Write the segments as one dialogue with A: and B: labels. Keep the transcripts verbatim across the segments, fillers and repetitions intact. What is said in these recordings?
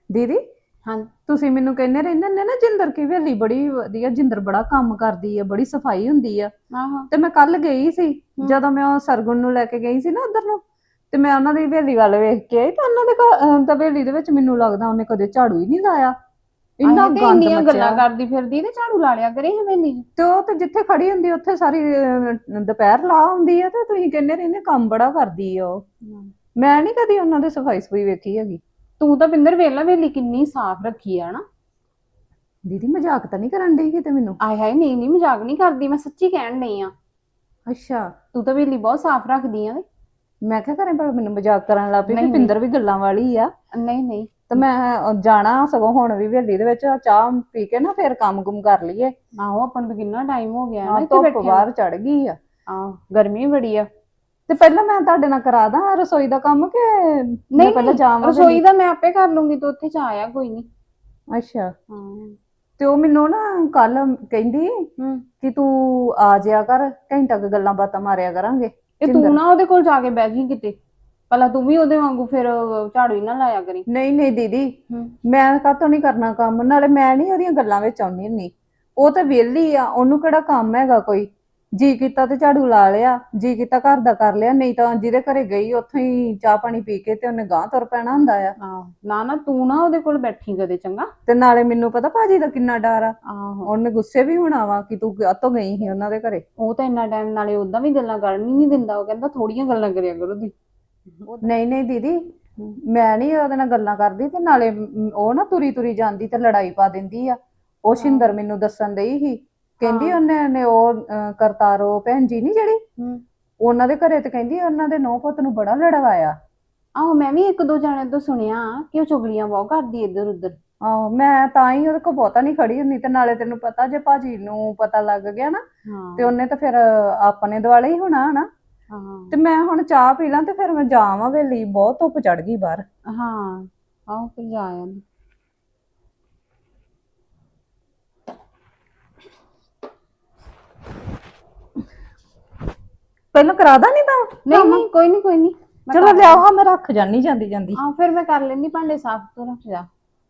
A: ਦੀਦੀ
B: ਹਾਂ।
A: ਤੁਸੀਂ ਮੈਨੂੰ ਕਹਿੰਦੇ ਰਹਿੰਦੇ ਨੇ ਨਾ ਜਿੰਦਰ ਕੀ ਹਵੇਲੀ ਬੜੀ ਵਧੀਆ, ਜਿੰਦਰ ਬੜਾ ਕੰਮ ਕਰਦੀ ਆ, ਬੜੀ ਸਫਾਈ ਹੁੰਦੀ ਆ।
B: ਆਹੋ।
A: ਤੇ ਮੈਂ ਕੱਲ ਗਈ ਸੀ,
B: ਹੂੰ।
A: ਜਦੋਂ ਮੈਂ ਉਹ ਸਰਗੁਣ ਨੂੰ ਲੈ ਕੇ ਗਈ ਸੀ ਨਾ ਉਧਰ ਨੂੰ, ਤੇ ਮੈਂ ਉਹਨਾਂ ਦੀ ਹਵੇਲੀ ਵੱਲ ਵੇਖ ਕੇ ਆਈ ਤੇ ਉਹਨਾਂ ਦੇ ਘਰ ਅਹ, ਤਾਂ ਹਵੇਲੀ ਦੇ ਵਿੱਚ ਮੈਨੂੰ ਲੱਗਦਾ ਉਹਨੇ ਕਦੇ ਝਾੜੂ ਹੀ ਨਹੀਂ ਲਾਇਆ। ਇੰਨਾ
B: ਆਹੇ ਤੇ
A: ਗੰਦ
B: ਇੰਨੀਆਂ ਗੱਲਾਂ
A: ਮਚਿਆ।
B: ਕਰਦੀ ਫਿਰਦੀ ਤੇ ਝਾੜੂ ਲਾ ਲਿਆ ਕਰੇ ਹਵੇਲੀ ਚ।
A: ਤੇ ਉਹ ਤੇ ਜਿੱਥੇ ਖੜੀ ਹੁੰਦੀ ਉੱਥੇ ਸਾਰੀ ਅਹ, ਦੁਪਹਿਰ ਲਾ ਹੁੰਦੀ ਆ, ਤੇ ਤੁਸੀਂ ਕਹਿੰਦੇ ਰਹਿੰਦੇ ਕੰਮ ਬੜਾ ਕਰਦੀ ਆ ਉਹ। ਮੈਂ ਨਹੀਂ ਕਦੀ ਉਹਨਾਂ ਦੇ ਸਫਾਈ ਸਫਾਈ ਵੇਖੀ ਹੈਗੀ।
B: ਤੂੰ ਤਾਂ ਪਿੰਦਰ ਵੇਲਾ ਹਵੇਲੀ ਕਿੰਨੀ ਸਾਫ਼ ਰੱਖੀ ਆ ਨਾ।
A: ਦੀਦੀ ਮਜ਼ਾਕ ਤਾਂ ਨਹੀਂ ਕਰਨ ਡਈ ਕਿਤੇ ਮੈਨੂੰ?
B: ਆਏ ਹਾਏ ਨਹੀਂ ਨਹੀਂ, ਮਜ਼ਾਕ ਨਹੀਂ ਕਰਦੀ, ਮੈਂ ਸੱਚੀ ਕਹਿਣ ਡਈ ਆ।
A: ਅੱਛਾ।
B: ਤੂੰ ਤਾਂ ਹਵੇਲੀ ਬਹੁਤ ਸਾਫ਼ ਰੱਖਦੀ ਆ।
A: ਮੈਂ ਕਿਹਾ ਕਰੇ ਪਰ ਮੈਨੂੰ ਮਜ਼ਾਕ ਕਰਨ ਲੱਗ ਪਈ ਵੀ
B: ਨਹੀਂ ਨਹੀਂ
A: ਪਿੰਦਰ ਵੀ ਗੱਲਾਂ ਵਾਲੀ ਆ।
B: ਨਹੀਂ ਨਹੀਂ।
A: ਤੇ ਮੈਂ ਜਾਣਾ ਸਗੋਂ ਹੁਣ ਵੀ ਹਵੇਲੀ ਦੇ ਵਿੱਚ ਚਾਹ ਪੀ ਕੇ ਨਾ ਫਿਰ ਕੰਮ ਕੁਮ ਕਰ ਲਈਏ।
B: ਆਹੋ ਆਪਾਂ ਨੂੰ ਤਾਂ ਕਿੰਨਾ ਟਾਈਮ ਹੋ ਗਿਆ ਨਾ
A: ਹਾਂ,
B: ਇੱਥੇ
A: ਧੁੱਪ
B: ਬੈਠਿਆਂ ਨੂੰ।
A: ਬਾਹਰ ਚੜ ਗਈ ਆ।
B: ਆਹ ਗਰਮੀ ਬੜੀ ਆ।
A: ਤੇ ਪਹਿਲਾਂ ਮੈਂ ਤੁਹਾਡੇ ਨਾਲ ਕਰਾ ਦਾਂ ਰਸੋਈ ਦਾ ਕੰਮ ਕਿ ਮੈਂ
B: ਨਹੀਂ
A: ਪਹਿਲਾਂ
B: ਨਹੀਂ,
A: ਜਾਵਾਂ
B: ਰਸੋਈ
A: ਹਵੇਲੀ?
B: ਦਾ ਮੈਂ ਆਪੇ ਕਰ ਲੂੰਗੀ, ਤੂੰ ਉੱਥੇ ਜਾ ਆਇਆ ਕੋਈ ਨਹੀਂ।
A: ਅੱਛਾ।
B: ਹਾਂ।
A: ਤੇ ਉਹ ਮੈਨੂੰ ਨਾ ਕੱਲ ਕਹਿੰਦੀ
B: ਹੂੰ।
A: ਕਿ ਤੂੰ ਆ ਜਾਇਆ ਕਰ, ਘੰਟਾ ਕੁ ਗੱਲਾਂ ਬਾਤਾਂ ਮਾਰਿਆ ਕਰਾਂਗੇ।
B: ਇਹ ਤੂੰ
A: ਜਿੰਦਰ
B: ਨਾ ਉਹਦੇ ਕੋਲ ਜਾ ਕੇ ਬਹਿ ਗਈ ਕਿਤੇ, ਭਲਾ ਤੂੰ ਵੀ ਉਹਦੇ ਵਾਂਗੂ ਫਿਰ ਝਾੜੂ ਹੀ ਨਾ ਲਾਇਆ ਕਰੀ।
A: ਨਹੀਂ ਨਹੀਂ ਦੀਦੀ,
B: ਹੂੰ।
A: ਮੈਂ ਕਾਹਤੋਂ ਨਹੀਂ ਕਰਨਾ ਕੰਮ, ਨਾਲੇ ਮੈਂ ਨਹੀਂ ਉਹਦੀਆਂ ਗੱਲਾਂ ਵਿੱਚ ਆਉਂਦੀ ਹੁੰਦੀ। ਉਹ ਤਾਂ ਵਿਹਲੀ ਆ, ਉਹਨੂੰ ਕਿਹੜਾ ਕੰਮ ਹੈਗਾ ਕੋਈ। ਜੀ ਕੀਤਾ ਤੇ ਝਾੜੂ ਲਾ ਲਿਆ, ਜੀ ਕੀਤਾ ਘਰ ਦਾ ਕਰ ਲਿਆ, ਨਹੀਂ ਤਾਂ ਜਿਹਦੇ ਘਰੇ ਗਈ ਉੱਥੋਂ ਹੀ ਚਾਹ ਪਾਣੀ ਪੀ ਕੇ ਤੇ ਉਹਨੇ ਗਾਂਹ ਤੁਰ ਪੈਣਾ ਹੁੰਦਾ ਆ।
B: ਆਹੋ ਨਾ ਨਾ, ਤੂੰ ਨਾ ਉਹਦੇ ਕੋਲ ਬੈਠੀ ਕਦੇ, ਚੰਗਾ।
A: ਤੇ ਨਾਲੇ ਮੈਨੂੰ ਪਤਾ ਭਾਜੀ ਦਾ ਕਿੰਨਾ ਡਰ ਆ।
B: ਆਹੋ।
A: ਉਹਨੇ ਗੁੱਸੇ ਵੀ ਹੋਣਾ ਵਾ ਕਿ ਤੂੰ ਕਾਹਤੋਂ ਗਈ ਸੀ ਉਹਨਾਂ ਦੇ ਘਰੇ।
B: ਉਹ ਤਾਂ ਇੰਨਾ ਟਾਈਮ ਨਾਲੇ ਉਦਾਂ ਵੀ ਗੱਲਾਂ ਕਰਨ ਹੀ ਨਹੀਂ ਦਿੰਦਾ, ਉਹ ਕਹਿੰਦਾ ਥੋੜੀਆਂ ਗੱਲਾਂ ਕਰਿਆ ਕਰੋ ਤੁਸੀਂ।
A: ਨਹੀਂ ਨਹੀਂ ਦੀਦੀ, ਮੈਂ ਨਹੀਂ ਉਹਦੇ ਨਾਲ ਗੱਲਾਂ ਕਰਦੀ, ਤੇ ਨਾਲੇ ਮ, ਉਹ ਨਾ ਤੁਰੀ ਤੁਰੀ ਜਾਂਦੀ ਤੇ ਲੜਾਈ ਪਾ ਦਿੰਦੀ ਆ। ਉਹ ਸ਼ਿੰਦਰ ਮੈਨੂੰ ਦੱਸਣ ਡਈ ਸੀ, ਕਹਿੰਦੀ ਉਹਨੇ ਨੇ ਉਹ ਅਹ, ਕਰਤਾਰੋ ਭੈਣ ਜੀ ਨੀ ਜਿਹੜੀ,
B: ਹੂੰ।
A: ਉਹਨਾਂ ਦੇ ਘਰੇ ਤੇ ਕਹਿੰਦੀ ਉਹਨਾਂ ਦੇ ਨੌ ਪੁੱਤ ਨੂੰ ਬੜਾ ਲੜਵਾਇਆ।
B: ਆਹੋ ਮੈਂ ਵੀ ਇੱਕ ਦੋ ਜਣਿਆਂ ਤੋਂ ਸੁਣਿਆ ਕਿ ਉਹ ਚੁਗਲੀਆਂ ਬਹੁਤ ਕਰਦੀ ਇੱਧਰ ਉੱਧਰ।
A: ਆਹੋ ਮੈਂ ਤਾਂ ਹੀ ਉਹਦੇ ਕੋਲ ਬਹੁਤਾ ਨਹੀਂ ਖੜੀ ਹੁੰਦੀ, ਤੇ ਨਾਲੇ ਤੈਨੂੰ ਪਤਾ ਜੇ ਭਾਜੀ ਨੂੰ ਪਤਾ ਲੱਗ ਗਿਆ ਨਾ ਤੇ
B: ਹਾਂ।
A: ਉਹਨੇ ਤਾਂ ਫਿਰ ਆਪਣੇ ਦੁਆਲੇ ਹੀ ਹੋਣਾ ਹਨਾ।
B: ਹਾਂ।
A: ਤੇ ਮੈਂ ਹੁਣ ਚਾਹ ਪੀ ਲਾਂ ਤੇ ਫਿਰ ਮੈਂ ਜਾਵਾਂ ਹਵੇਲੀ, ਬਹੁਤ ਧੁੱਪ ਚੜ ਗਈ ਬਾਹਰ।
B: ਹਾਂ। ਆਹੋ ਫਿਰ ਜਾ ਆਇਆ।
A: ਪਹਿਲਾਂ ਕਰਾਦਾ ਨਹੀਂ ਤਾਂ
B: ਨਹੀਂ ਨਹੀਂ, ਕੋਈ ਨਹੀਂ ਕੋਈ ਨਹੀਂ।
A: ਚਲੋ ਲਿਆਓ, ਹਾਂ ਮੈਂ ਰੱਖ ਜਾਨੀ ਜਾਂਦੀ ਜਾਂਦੀ।
B: ਹਾਂ ਫਿਰ ਮੈਂ ਕਰ ਲੈਣੀ ਭਾਂਡੇ ਸਾਫ਼, ਤੂੰ ਰੱਖ ਜਾ।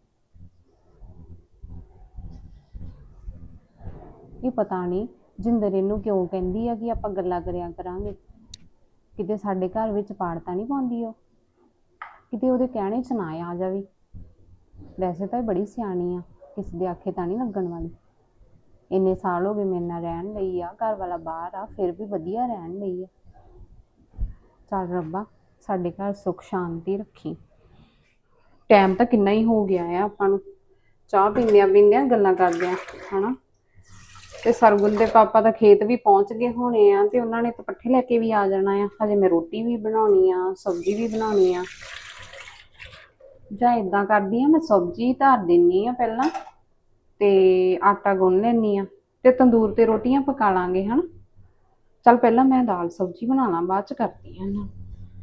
B: ਇਹ ਪਤਾ ਨਹੀਂ ਜਿੰਦਰ ਇਹਨੂੰ ਕਿਉਂ ਕਹਿੰਦੀ ਆ ਕਿ ਆਪਾਂ ਗੱਲਾਂ ਕਰਿਆ ਕਰਾਂਗੇ। ਕਿਤੇ ਸਾਡੇ ਘਰ ਵਿੱਚ ਪਾੜ ਤਾਂ ਨਹੀਂ ਪਾਉਂਦੀ ਉਹ, ਕਿਤੇ ਉਹਦੇ ਕਹਿਣੇ 'ਚ ਨਾ ਆ ਜਾਵੇ। ਵੈਸੇ ਤਾਂ ਇਹ ਬੜੀ ਸਿਆਣੀ ਆ, ਕਿਸੇ ਦੇ ਆਖੇ ਤਾਂ ਨਹੀਂ ਲੱਗਣ ਵਾਲੀ। ਇੰਨੇ ਸਾਲ ਹੋ ਗਏ ਮੇਰੇ ਨਾਲ ਰਹਿਣ ਲਈ ਆ, ਘਰ ਵਾਲਾ ਬਾਹਰ ਆ, ਫਿਰ ਵੀ ਵਧੀਆ ਰਹਿਣ ਲਈ ਆ। ਚੱਲ ਰੱਬਾ ਸਾਡੇ ਘਰ ਸੁੱਖ ਸ਼ਾਂਤੀ ਰੱਖੀ। ਟਾਈਮ ਤਾਂ ਕਿੰਨਾ ਹੀ ਹੋ ਗਿਆ ਆ ਆਪਾਂ ਨੂੰ ਚਾਹ ਪੀਂਦਿਆਂ ਪੀਂਦਿਆਂ ਗੱਲਾਂ ਕਰਦਿਆਂ, ਹਨਾ। ਤੇ ਸਰਗੁਣ ਦੇ ਪਾਪਾ ਤਾਂ ਖੇਤ ਵੀ ਪਹੁੰਚ ਗਏ ਹੋਣੇ ਆ, ਤੇ ਉਹਨਾਂ ਨੇ ਤਾਂ ਪੱਠੇ ਲੈ ਕੇ ਵੀ ਆ ਜਾਣਾ ਆ। ਹਜੇ ਮੈਂ ਰੋਟੀ ਵੀ ਬਣਾਉਣੀ ਆ, ਸਬਜ਼ੀ ਵੀ ਬਣਾਉਣੀ ਆ। ਜਾਂ ਏਦਾਂ ਕਰਦੀ ਆ, ਮੈਂ ਸਬਜ਼ੀ ਧਰ ਦਿੰਨੀ ਆ ਪਹਿਲਾਂ, ਤੇ ਆਟਾ ਗੁੰਨ ਲੈਂਦੀ ਆ, ਤੇ ਤੰਦੂਰ ਤੇ ਰੋਟੀਆਂ ਪਕਾ ਲਾਂਗੇ, ਹਨਾ। ਚੱਲ ਪਹਿਲਾਂ ਮੈਂ ਦਾਲ ਸਬਜ਼ੀ ਬਣਾ ਲਾਂ, ਬਾਅਦ ਚ ਕਰਦੀ ਆ ਇਹਨਾਂ।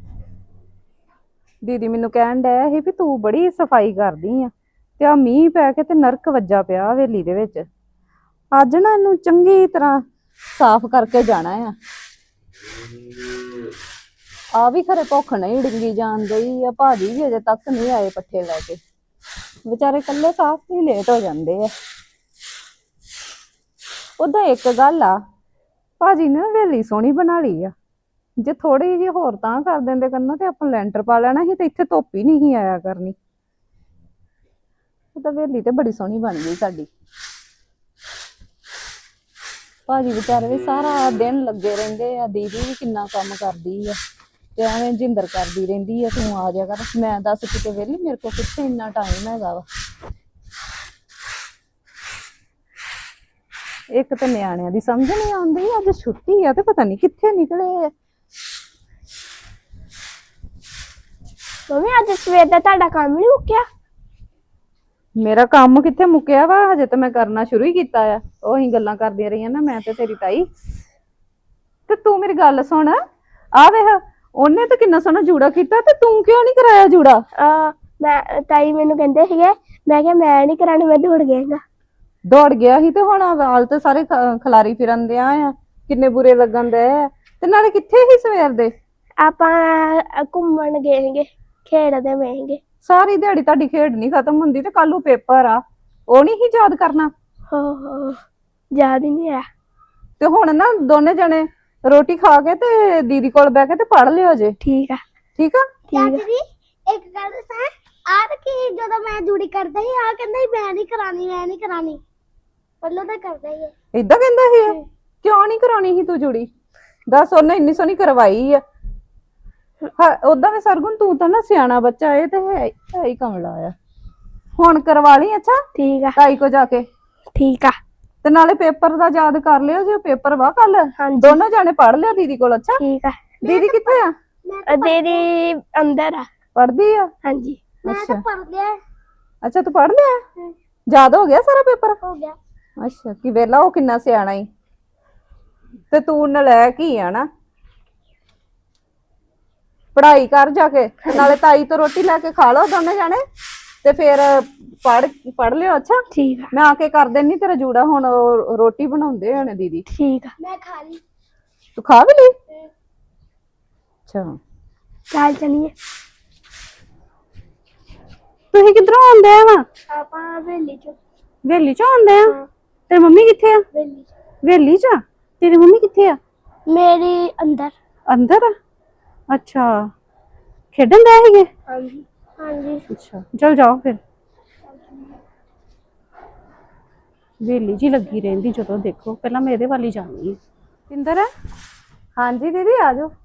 A: ਦੀਦੀ ਮੈਨੂੰ ਕਹਿਣ ਡਿਆ ਸੀ ਵੀ ਤੂੰ ਬੜੀ ਸਫਾਈ ਕਰਦੀ ਆ, ਤੇ ਆ ਮੀਂਹ ਪੈ ਕੇ ਤੇ ਨਰਕ ਵੱਜਾ ਪਿਆ ਹਵੇਲੀ ਦੇ ਵਿੱਚ। ਅੱਜ ਨਾ ਇਹਨੂੰ ਚੰਗੀ ਤਰ੍ਹਾਂ ਸਾਫ਼ ਕਰਕੇ ਜਾਣਾ ਆ। ਆ ਵੀ ਖਰੇ ਭੁੱਖ ਨਹੀਂ ਡਿੰਗੀ ਜਾਣ ਡਈ ਆ, ਭਾਜੀ ਵੀ ਅਜੇ ਤੱਕ ਨਹੀਂ ਆਏ ਪੱਠੇ ਲੈ ਕੇ, ਵਿਚਾਰੇ ਇਕੱਲੇ ਸਾਫ਼ ਹੀ ਲੇਟ ਹੋ ਜਾਂਦੇ ਆ। ਉਦਾਂ ਇੱਕ ਗੱਲ ਆ, ਭਾਜੀ ਨੇ ਹਵੇਲੀ ਸੋਹਣੀ ਬਣਾ ਲਈ ਆ। ਜੇ ਥੋੜੀ ਜਿਹੀ ਹੋਰ ਤਾਂ ਕਰ ਦਿੰਦੇ ਕਰਨਾ ਤੇ ਆਪਾਂ ਲੈਂਟਰ ਪਾ ਲੈਣਾ ਸੀ, ਤੇ ਇੱਥੇ ਧੁੱਪ ਹੀ ਨਹੀਂ ਆਇਆ ਕਰਨੀ। ਉਹ ਤਾਂ ਹਵੇਲੀ ਤੇ ਬੜੀ ਸੋਹਣੀ ਬਣ ਗਈ ਸਾਡੀ। ਭਾਜੀ ਵਿਚਾਰੇ ਵੀ ਸਾਰਾ ਦਿਨ ਲੱਗੇ ਰਹਿੰਦੇ ਆ, ਦੀਦੀ ਵੀ ਕਿੰਨਾ ਕੰਮ ਕਰਦੀ ਆ, ਤੇ ਐਵੇਂ ਜਿੰਦਰ ਕਰਦੀ ਰਹਿੰਦੀ ਆ ਤੂੰ ਆ ਜਾ ਕਰ। ਮੈਂ ਦੱਸ ਕਿਤੇ ਵਿਹਲੀ, ਮੇਰੇ ਕੋਲ ਕਿੱਥੇ ਇੰਨਾ ਟਾਈਮ ਹੈਗਾ ਵਾ। ਇੱਕ ਤਾਂ ਨਿਆਣਿਆਂ ਦੀ ਸਮਝ ਨਹੀਂ ਆਉਂਦੀ, ਅੱਜ ਛੁੱਟੀ ਆ ਤੇ ਪਤਾ ਨਹੀਂ ਕਿੱਥੇ ਨਿਕਲੇ ਆ।
C: ਮੰਮੀ ਅੱਜ ਸਵੇਰ ਦਾ ਤੁਹਾਡਾ ਕੰਮ ਨਹੀਂ ਮੁੱਕਿਆ?
A: ਮੇਰਾ ਕੰਮ ਕਿੱਥੇ ਮੁੱਕਿਆ ਵਾ, ਹਜੇ ਤਾਂ ਮੈਂ ਕਰਨਾ ਸ਼ੁਰੂ ਹੀ ਕੀਤਾ ਆ। ਉਹੀ ਗੱਲਾਂ ਕਰਦੀਆਂ ਰਹੀਆਂ ਨਾ ਮੈਂ ਤੇ ਤੇਰੀ ਤਾਈ। ਤੇ ਤੂੰ ਮੇਰੀ ਗੱਲ ਸੁਣ, ਆ ਵੇਖ ਉਹਨੇ ਤਾਂ ਕਿੰਨਾ ਸੋਹਣਾ ਜੂੜਾ ਕੀਤਾ, ਤੇ ਤੂੰ ਕਿਉਂ ਨਹੀਂ ਕਰਾਇਆ ਜੂੜਾ?
C: ਆ ਮੈਂ ਤਾਈ ਮੈਨੂੰ ਕਹਿੰਦੇ ਸੀਗੇ, ਮੈਂ ਕਿਹਾ ਮੈਂ ਨਹੀਂ ਕਰਾਉਣਾ, ਮੈਂ ਦੌੜ ਗਿਆ।
A: ਦੌੜ ਗਿਆ ਸੀ, ਤੇ ਹੁਣ ਵਾਲ ਤੇ ਸਾਰੇ ਖਲਾਰੀ ਫਿਰਨ ਦਿਆ ਆ, ਕਿੰਨੇ ਬੁਰੇ ਲੱਗਣ ਦੇ ਆ। ਤੇ ਨਾਲੇ ਕਿੱਥੇ ਸੀ ਸਵੇਰ ਦੇ?
C: ਆਪਾਂ ਘੁੰਮਣ ਗਏ ਸੀਗੇ, ਖੇਡਦੇ ਪਏ ਸੀਗੇ।
A: ਸਾਰੀ ਦਿਹਾੜੀ ਤੁਹਾਡੀ ਖੇਡ ਨਹੀਂ ਖਤਮ ਹੁੰਦੀ ਤੇ ਕੱਲ ਨੂੰ ਪੇਪਰ ਆ, ਉਹ ਨਹੀਂ ਹੀ ਯਾਦ ਕਰਨਾ।
C: ਹੋ ਹੋ ਯਾਦ ਹੀ ਨਹੀਂ ਆ।
A: ਤੇ ਹੁਣ ਨਾ ਦੋਨੇ ਜਣੇ ਰੋਟੀ ਖਾ ਕੇ ਤੇ ਦੀਦੀ ਕੋਲ ਬਹਿ ਕੇ ਤੇ ਪੜ ਲਿਓ ਜੇ,
C: ਠੀਕ ਆ
A: ਠੀਕ ਆ?
C: ਠੀਕ ਆ।
D: ਚਾਚੀ ਇੱਕ ਗੱਲ ਦੱਸਾਂ, ਆਹ ਕੀ ਜਦੋਂ ਮੈਂ ਜੂੜੀ ਕਰਦਾ ਸੀ ਆ ਕਹਿੰਦਾ ਸੀ ਮੈਂ ਨਹੀਂ ਕਰਾਣੀ ਮੈਂ ਨਹੀਂ ਕਰਾਣੀ, ਪਹਿਲਾਂ ਤਾਂ ਕਰਦਾ ਹੀ ਹੈ।
A: ਏਦਾਂ ਕਹਿੰਦਾ ਸੀ ਇਹ? ਕਿਉਂ ਨਹੀਂ ਕਰਾਉਣੀ ਸੀ ਤੂੰ ਜੁੜੀ? ਦੱਸ, ਉਹਨੇ ਇੰਨੀ ਸੋਹਣੀ ਕਰਵਾਈ ਆ। ਹਾਂ ਉਦਾਂ ਵੀ ਸਰਗੁਣ ਤੂੰ ਤਾਂ ਨਾ ਸਿਆਣਾ ਬੱਚਾ, ਇਹ ਤੇ ਹੈ ਹੈ ਹੀ ਕਮਲਾ ਆ। ਹੁਣ ਕਰਵਾ ਲਈ, ਅੱਛਾ
C: ਠੀਕ ਆ
A: ਤਾਈ ਕੋ ਜਾ ਕੇ,
C: ਠੀਕ ਆ।
A: ਤੇ ਨਾਲੇ ਪੇਪਰ ਦਾ ਯਾਦ ਕਰ ਲਿਓ ਜੇ ਪੇਪਰ ਵਾ ਕੱਲ।
C: ਹਾਂਜੀ
A: ਦੋਨੋਂ ਜਾਣੇ ਪੜ ਲਿਓ ਦੀਦੀ ਕੋਲ, ਅੱਛਾ?
C: ਠੀਕ ਆ।
A: ਦੀਦੀ ਕਿੱਥੇ ਆ?
C: ਅ, ਦੀਦੀ ਅੰਦਰ ਆ।
A: ਪੜਦੀ ਆ?
C: ਹਾਂਜੀ
D: ਮੈਂ
A: ਅੱਛਾ
D: ਤਾਂ ਪੜ ਲਿਆ,
A: ਅੱਛਾ ਤੂੰ ਪੜ ਲਿਆ? ਯਾਦ ਹੋ ਗਿਆ ਸਾਰਾ ਪੇਪਰ?
D: ਹੋ ਗਿਆ।
A: ਅੱਛਾ ਕੀ ਵੇਲਾ ਉਹ ਕਿੰਨਾ ਸਿਆਣਾ ਈ, ਤੇ ਤੂੰ ਨਲਾਇਕ ਹੀ ਆ ਨਾ। ਪੜ੍ਹਾਈ ਕਰ ਜਾ ਕੇ, ਨਾਲੇ ਤਾਈ ਤੋਂ ਰੋਟੀ ਲੈ ਕੇ ਖਾ ਲਓ ਦੋਨੇ ਜਾਣੇ, ਤੇ ਫਿਰ ਪੜ ਪੜ ਲਿਓ, ਅੱਛਾ?
C: ਠੀਕ ਆ
A: ਮੈਂ ਆ ਕੇ ਕਰ ਦੇਣੀ ਤੇਰਾ ਜੂੜਾ, ਹੁਣ ਉਹ ਰੋਟੀ ਬਣਾਉਂਦੇ ਹੋਣੇ ਦੀਦੀ।
C: ਠੀਕ ਆ।
D: ਮੈਂ ਖਾ ਲਈ।
A: ਤੂੰ ਖਾ ਵੀ ਲਈ? ਅੱਛਾ
C: ਚੱਲ ਚਲੀਏ।
A: ਤੁਸੀਂ ਕਿੱਧਰੋਂ ਆਉਂਦੇ ਆ ਵਾ?
C: ਆਪਾਂ ਵੇਲੀ ਚ
A: ਵੇਲੀ ਚੋਂ ਆਉਂਦੇ ਆ? ਤੇਰੀ ਮੰਮੀ ਕਿੱਥੇ ਆ?
C: ਵੇਲੀ ਚ
A: ਵੇਲੀ ਚ? ਤੇਰੀ ਮੰਮੀ ਕਿੱਥੇ ਆ?
C: ਮੇਰੀ ਅੰਦਰ।
A: ਅੰਦਰ ਆ? ਅੱਛਾ ਖੇਡਣ ਦੇ ਸੀਗੇ?
C: ਹਾਂਜੀ ਹਾਂਜੀ
A: ਅੱਛਾ ਚਲ ਜਾਓ ਫਿਰ। ਵੇਲੀ ਜੀ ਲੱਗੀ ਰਹਿੰਦੀ ਜਦੋਂ ਦੇਖੋ, ਪਹਿਲਾਂ ਮੈਂ ਇਹਦੇ ਵੱਲ ਹੀ ਜਾਂਦੀ ਹਾਂ। ਪਿੰਦਰ, ਹਾਂਜੀ ਦੀਦੀ ਆ ਜਾਓ।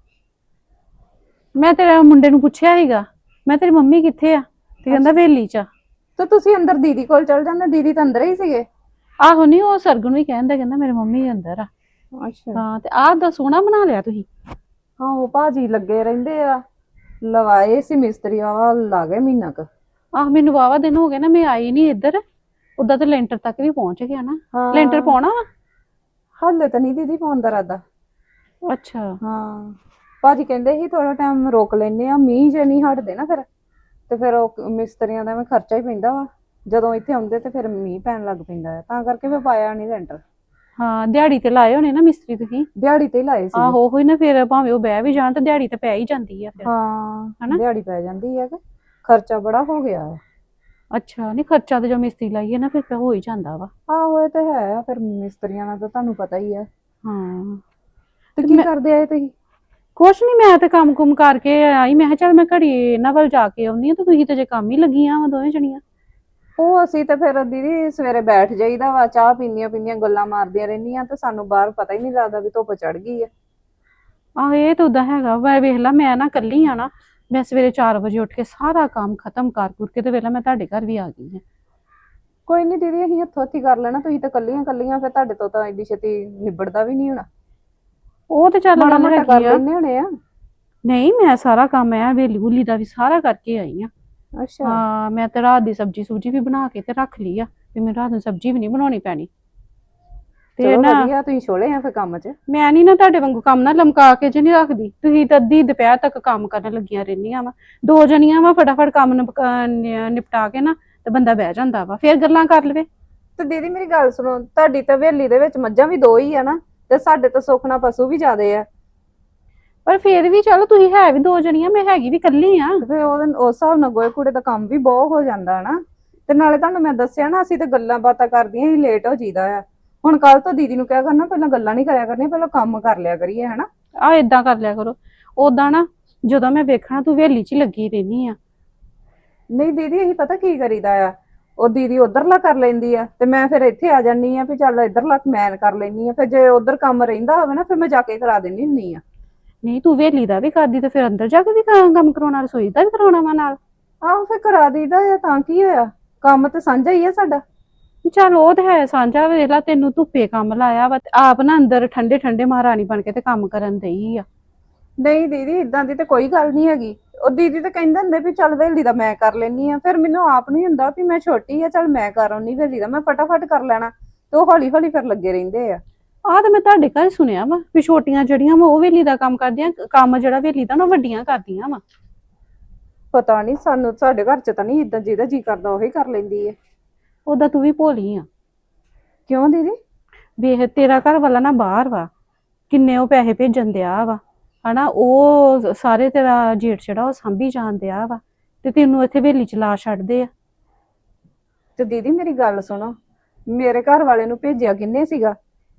A: ਮੈਂ ਤੇਰੇ ਮੁੰਡੇ ਨੂੰ ਪੁੱਛਿਆ ਸੀਗਾ, ਮੈਂ ਤੇਰੀ ਮੰਮੀ ਕਿੱਥੇ ਆ, ਤੇ ਕਹਿੰਦਾ ਵੇਲੀ ਚ ਆ। ਤੇ ਤੁਸੀਂ ਅੰਦਰ ਦੀਦੀ ਕੋਲ ਚਲ ਜਾਂਦੇ, ਦੀਦੀ ਤਾਂ ਅੰਦਰ ਹੀ ਸੀਗੇ। ਆਹੋ ਨਹੀਂ, ਉਹ ਸਰਗੁਣ ਵੀ ਕਹਿੰਦਾ, ਕਹਿੰਦਾ ਮੇਰੇ ਮੰਮੀ ਅੰਦਰ ਆ। ਅੱਛਾ ਹਾਂ, ਤੇ ਆਹ ਦਾ ਸੋਹਣਾ ਬਣਾ ਲਿਆ ਤੁਸੀਂ। ਹਾਂ ਉਹ ਭਾਜੀ ਲੱਗੇ ਰਹਿੰਦੇ ਆ, ਲਵਾਏ ਸੀ ਮਿਸਤਰੀ, ਆ ਲਾ ਗਏ ਮਹੀਨਾ ਕ। ਆਹ ਮੈਨੂੰ ਵਾਵਾ ਦਿਨ ਹੋ ਗਏ ਨਾ, ਮੈਂ ਆਈ ਨਹੀਂ ਇੱਧਰ। ਉਦਾਂ ਤਾਂ ਲੈਂਟਰ ਤੱਕ ਵੀ ਪਹੁੰਚ ਗਿਆ ਨਾ। ਲੈਂਟਰ ਪਾਉਣਾ ਵਾ? ਹਾਲੇ ਤਾਂ ਨਹੀਂ ਦੀਦੀ ਪਾਉਣ ਦਾ ਇਰਾਦਾ। ਅੱਛਾ ਹਾਂ, ਭਾਜੀ ਕਹਿੰਦੇ ਸੀ ਥੋੜਾ ਟਾਈਮ ਰੋਕ ਲੈਨੇ ਆ, ਮੀਂਹ ਜੇ ਨਹੀਂ ਹਟਦੇ ਨਾ ਫਿਰ, ਤੇ ਫਿਰ ਉਹ ਮਿਸਤਰੀਆਂ ਦਾ ਵੀ ਖਰਚਾ ਹੀ ਪੈਂਦਾ ਵਾ, ਜਦੋਂ ਇੱਥੇ ਆਉਂਦੇ ਤੇ ਫਿਰ ਮੀਂਹ ਪੈਣ ਲੱਗ ਪੈਂਦਾ ਹੈ, ਤਾਂ ਕਰਕੇ ਫਿਰ ਪਾਇਆ ਨਹੀਂ ਲੈਂਟਰ। ਹਾਂ ਦਿਹਾੜੀ ਤੇ ਲਾਏ ਹੋਣੇ ਨਾ ਮਿਸਤਰੀ ਤੁਸੀਂ? ਦਿਹਾੜੀ ਤੇ ਹੀ ਲਾਏ ਸੀ। ਆਹੋ ਉਹੀ ਨਾ, ਫਿਰ ਭਾਵੇਂ ਉਹ ਬਹਿ ਵੀ ਜਾਣ ਤੇ ਦਿਹਾੜੀ ਤੇ ਪੈ ਹੀ ਜਾਂਦੀ ਆ ਫਿਰ। ਹਾਂ ਦਿਹਾੜੀ ਪੈ ਜਾਂਦੀ ਹੈ, ਕਿ ਖਰਚਾ ਬੜਾ ਹੋ ਗਿਆ ਹੈ। ਅੱਛਾ ਨਹੀਂ, ਖਰਚਾ ਤੇ ਜੋ ਮਿਸਤਰੀ ਲਾਈਏ ਨਾ ਫਿਰ ਹੋ ਹੀ ਜਾਂਦਾ ਵਾ। ਆਹੋ ਇਹ ਤੇ ਹੈ, ਫਿਰ ਮਿਸਤਰੀਆਂ ਦਾ ਤਾਂ ਤੁਹਾਨੂੰ ਪਤਾ ਹੀ ਹੈ। ਹਾਂ ਤੇ ਕੀ ਕਰਦੇ ਆਏ ਤੁਸੀਂ? ਕੁਛ ਨੀ, ਮੈਂ ਤੇ ਕੰਮ ਕੁਮ ਕਰਕੇ ਆਈ, ਮੈਂ ਕਿਹਾ ਚੱਲ ਮੈਂ ਘੜੀ ਇਹਨਾਂ ਵੱਲ ਜਾ ਕੇ ਆਉਂਦੀ ਆ, ਤੇ ਤੁਸੀਂ ਤੇ ਜੇ ਕੰਮ ਹੀ ਲੱਗੀਆਂ ਵਾ ਦੋਵੇਂ ਜਣੀਆਂ। ਉਹ ਅਸੀਂ ਤੇ ਫਿਰ ਦੀਦੀ ਸਵੇਰੇ ਬੈਠ ਜਾਈਦਾ ਵਾ, ਚਾਹ ਪੀਂਦੀਆਂ ਪੀਂਦੀਆਂ ਗੱਲਾਂ ਮਾਰਦੀਆਂ ਰਹਿੰਦੀਆਂ, ਤੇ ਸਾਨੂੰ ਬਾਹਰ ਪਤਾ ਹੀ ਨਹੀਂ ਲੱਗਦਾ ਵੀ ਧੁੱਪ ਚੜ ਗਈ ਆ। ਆਹ ਇਹ ਤਾਂ ਉਦਾਂ ਹੈਗਾ ਵਾ, ਵੇਖ ਲਾ ਮੈਂ ਨਾ ਇਕੱਲੀ ਆ ਨਾ, ਮੈਂ ਸਵੇਰੇ ਚਾਰ ਵਜੇ ਉੱਠ ਕੇ ਸਾਰਾ ਕੰਮ ਖਤਮ ਕਰ ਕੁਰ ਕੇ ਤੇ ਵੇਖ ਲਾ ਮੈਂ ਤੁਹਾਡੇ ਘਰ ਵੀ ਆ ਗਈ ਆ। ਕੋਈ ਨਹੀਂ ਦੀਦੀ, ਅਸੀਂ ਹੱਥੋਂ ਹੱਥੀ ਕਰ ਲੈਣਾ, ਤੁਸੀਂ ਤਾਂ ਕੱਲੀਆਂ ਕੱਲੀਆਂ, ਫਿਰ ਤੁਹਾਡੇ ਤੋਂ ਤਾਂ ਐਡੀ ਛੇਤੀ ਨਿਬੜਦਾ ਵੀ ਨਹੀਂ ਹੋਣਾ। ਉਹ ਤੇ ਚੱਲ ਮਾੜਾ ਮੋਟਾ ਕਰ ਲੈਣੇ ਹੋਣੇ ਆ। ਨਹੀਂ ਮੈਂ ਸਾਰਾ ਕੰਮ ਐ ਵੇਲੀ ਵੂਲੀ ਦਾ ਵੀ ਸਾਰਾ ਕਰਕੇ ਆਈ ਆ। ਅੱਛਾ ਹਾਂ, ਮੈਂ ਤੇ ਰਾਤ ਦੀ ਸਬਜੀ ਸੂਜੀ ਵੀ ਬਣਾ ਕੇ ਤੇ ਰੱਖ ਲਈ ਆ, ਤੇ ਮੈਨੂੰ ਰਾਤ ਨੂੰ ਸਬਜੀ ਵੀ ਨਹੀਂ ਬਣਾਉਣੀ ਪੈਣੀ। ਤੇ ਨਾ ਵਧੀਆ ਤੁਸੀਂ ਛੋਲੇ ਆ ਫਿਰ ਕੰਮ 'ਚ। ਮੈਂ ਨਹੀਂ ਨਾ ਤੁਹਾਡੇ ਵਾਂਗੂ ਕੰਮ ਨਾ ਲਮਕਾ ਕੇ ਜੇ ਨਹੀਂ ਰੱਖਦੀ, ਤੁਸੀਂ ਤਾਂ ਅੱਧੀ ਦੁਪਹਿਰ ਤੱਕ ਕੰਮ ਕਰਨ ਲੱਗੀਆਂ ਰਹਿੰਦੀਆਂ ਵਾ। ਦੋ ਜਣੀਆਂ ਵਾ, ਫਟਾਫਟ ਕੰਮ ਨਿਪਟਾ ਕੇ ਨਾ ਤੇ ਬੰਦਾ ਬਹਿ ਜਾਂਦਾ ਵਾ, ਫਿਰ ਗੱਲਾਂ ਕਰ ਲਵੇ। ਤੇ ਦੀਦੀ ਮੇਰੀ ਗੱਲ ਸੁਣੋ, ਤੁਹਾਡੀ ਤਾਂ ਹਵੇਲੀ ਦੇ ਵਿੱਚ ਮੱਝਾਂ ਵੀ ਦੋ ਹੀ ਆ ਨਾ, ਤੇ ਸਾਡੇ ਤਾਂ ਸੁਖਣਾ ਪਸ਼ੂ ਵੀ ਜ਼ਿਆਦੇ ਆ। ਪਰ ਫਿਰ ਵੀ ਚਲੋ ਤੁਸੀਂ ਹੈ ਵੀ ਦੋ ਜਣੀਆਂ, ਮੈਂ ਹੈਗੀ ਵੀ ਇਕੱਲੀ ਆ, ਫਿਰ ਉਹ ਉਸ ਹਿਸਾਬ ਨਾਲ ਗੋਏ ਕੂੜੇ ਦਾ ਕੰਮ ਵੀ ਬਹੁਤ ਹੋ ਜਾਂਦਾ ਨਾ। ਤੇ ਨਾਲੇ ਤੁਹਾਨੂੰ ਮੈਂ ਦੱਸਿਆ ਨਾ, ਅਸੀਂ ਤੇ ਗੱਲਾਂ ਬਾਤਾਂ ਕਰਦੀਆਂ ਹੀ ਲੇਟ ਹੋ ਜੀਦਾ ਆ। ਹੁਣ ਕੱਲ ਤੋਂ ਦੀਦੀ ਨੂੰ ਕਿਹਾ ਕਰਨਾ, ਪਹਿਲਾਂ ਗੱਲਾਂ ਨਹੀਂ ਕਰਿਆ ਕਰਨੀਆਂ, ਪਹਿਲਾਂ ਕੰਮ ਕਰ ਲਿਆ ਕਰੀਏ, ਹਨਾ? ਆਹ ਏਦਾਂ ਕਰ ਲਿਆ ਕਰੋ। ਓਦਾਂ ਨਾ ਜਦੋਂ ਮੈਂ ਵੇਖਣਾ ਤੂੰ ਹਵੇਲੀ 'ਚ ਹੀ ਲੱਗੀ ਰਹਿਨੀ ਆ। ਨਹੀਂ ਦੀਦੀ ਅਸੀਂ ਪਤਾ ਕੀ ਕਰੀਦਾ ਆ, ਉਹ ਦੀਦੀ ਉਧਰਲਾ ਕਰ ਲੈਂਦੀ ਆ, ਤੇ ਮੈਂ ਫਿਰ ਇੱਥੇ ਆ ਜਾਨੀ ਆ ਵੀ ਚੱਲ ਇੱਧਰਲਾ ਮੈਂ ਕਰ ਲੈਨੀ ਆ, ਫਿਰ ਜੇ ਉਧਰ ਕੰਮ ਰਹਿੰਦਾ ਹੋਵੇ ਨਾ ਫਿਰ ਮੈਂ ਜਾ ਕੇ ਕਰਾ ਦਿੰਦੀ ਹੁੰਦੀ ਆ। ਨਹੀਂ ਤੂੰ ਹਵੇਲੀ ਦਾ ਵੀ ਕਰਦੀ ਤੇ ਫਿਰ ਅੰਦਰ ਜਾ ਕੇ ਵੀ ਕੰਮ ਕਰਾਉਣਾ, ਰਸੋਈ ਦਾ ਵੀ ਕਰਾਉਣਾ ਵਾ ਨਾਲ? ਆਹੋ ਫਿਰ ਕਰਾ ਦਈਦਾ ਆ, ਤਾਂ ਕੀ ਹੋਇਆ, ਕੰਮ ਤੇ ਸਾਂਝਾ ਹੀ ਆ ਸਾਡਾ। ਚੱਲ ਉਹ ਤੇ ਹੈ ਸਾਂਝਾ, ਵੇਖ ਲਾ ਤੈਨੂੰ ਧੁੱਪੇ ਕੰਮ ਲਾਇਆ ਵਾ, ਆਪ ਨਾ ਅੰਦਰ ਠੰਡੇ ਠੰਡੇ ਮਹਾਰਾਣੀ ਬਣ ਕੇ ਤੇ ਕੰਮ ਕਰਨ ਦਈ ਆ। ਨਹੀਂ ਦੀਦੀ ਇਦਾਂ ਦੀ ਤੇ ਕੋਈ ਗੱਲ ਨਹੀਂ ਹੈਗੀ, ਉਹ ਦੀਦੀ ਤਾਂ ਕਹਿੰਦੇ ਹੁੰਦੇ ਵੀ ਚੱਲ ਹਵੇਲੀ ਦਾ ਮੈਂ ਕਰ ਲੈਨੀ ਆ, ਫਿਰ ਮੈਨੂੰ ਆਪ ਨਹੀਂ ਹੁੰਦਾ ਵੀ ਮੈਂ ਛੋਟੀ ਆ, ਚੱਲ ਮੈਂ ਕਰ ਆਉਣੀ ਹਵੇਲੀ ਦਾ, ਮੈਂ ਫਟਾਫਟ ਕਰ ਲੈਣਾ, ਤੇ ਉਹ ਹੌਲੀ ਹੌਲੀ ਫਿਰ ਲੱਗੇ ਰਹਿੰਦੇ ਆ। ਆਹ ਤੇ ਮੈਂ ਤੁਹਾਡੇ ਘਰ ਸੁਣਿਆ ਵਾ ਵੀ ਛੋਟੀਆਂ ਜਿਹੜੀਆਂ ਵਾ ਉਹ ਹਵੇਲੀ ਦਾ ਕੰਮ ਕਰਦੀਆਂ, ਕੰਮ ਜਿਹੜਾ ਹਵੇਲੀ ਦਾ ਨਾ ਵੱਡੀਆਂ ਕਰਦੀਆਂ ਵਾ। ਪਤਾ ਨਹੀਂ, ਸਾਨੂੰ ਸਾਡੇ ਘਰ 'ਚ ਤਾਂ ਨਹੀਂ ਇਦਾਂ, ਜਿਹਦਾ ਜੀ ਕਰਦਾ ਉਹੀ ਕਰ ਲੈਂਦੀ ਹੈ। ਉਹਦਾ ਤੂੰ ਵੀ ਭੋਲੀ ਆ। ਕਿਉਂ ਦੀਦੀ? ਵੇਖ ਤੇਰਾ ਘਰ ਵਾਲਾ ਨਾ ਬਾਹਰ ਵਾ, ਕਿੰਨੇ ਉਹ ਪੈਸੇ ਭੇਜਣ ਦਿਆ ਵਾ, ਹਨਾ? ਉਹ ਸਾਰੇ ਤੇਰਾ ਜੇਠ ਜਿਹੜਾ ਉਹ ਸਾਂਭੀ ਜਾਣ ਦਿਆ ਵਾ,
B: ਤੇ ਤੈਨੂੰ ਇੱਥੇ ਹਵੇਲੀ ਚ ਲਾ ਛੱਡਦੇ ਆ।
A: ਤੇ ਦੀਦੀ ਮੇਰੀ ਗੱਲ ਸੁਣੋ, ਮੇਰੇ ਘਰ ਵਾਲੇ ਨੂੰ ਭੇਜਿਆ ਕਿੰਨੇ ਸੀਗਾ?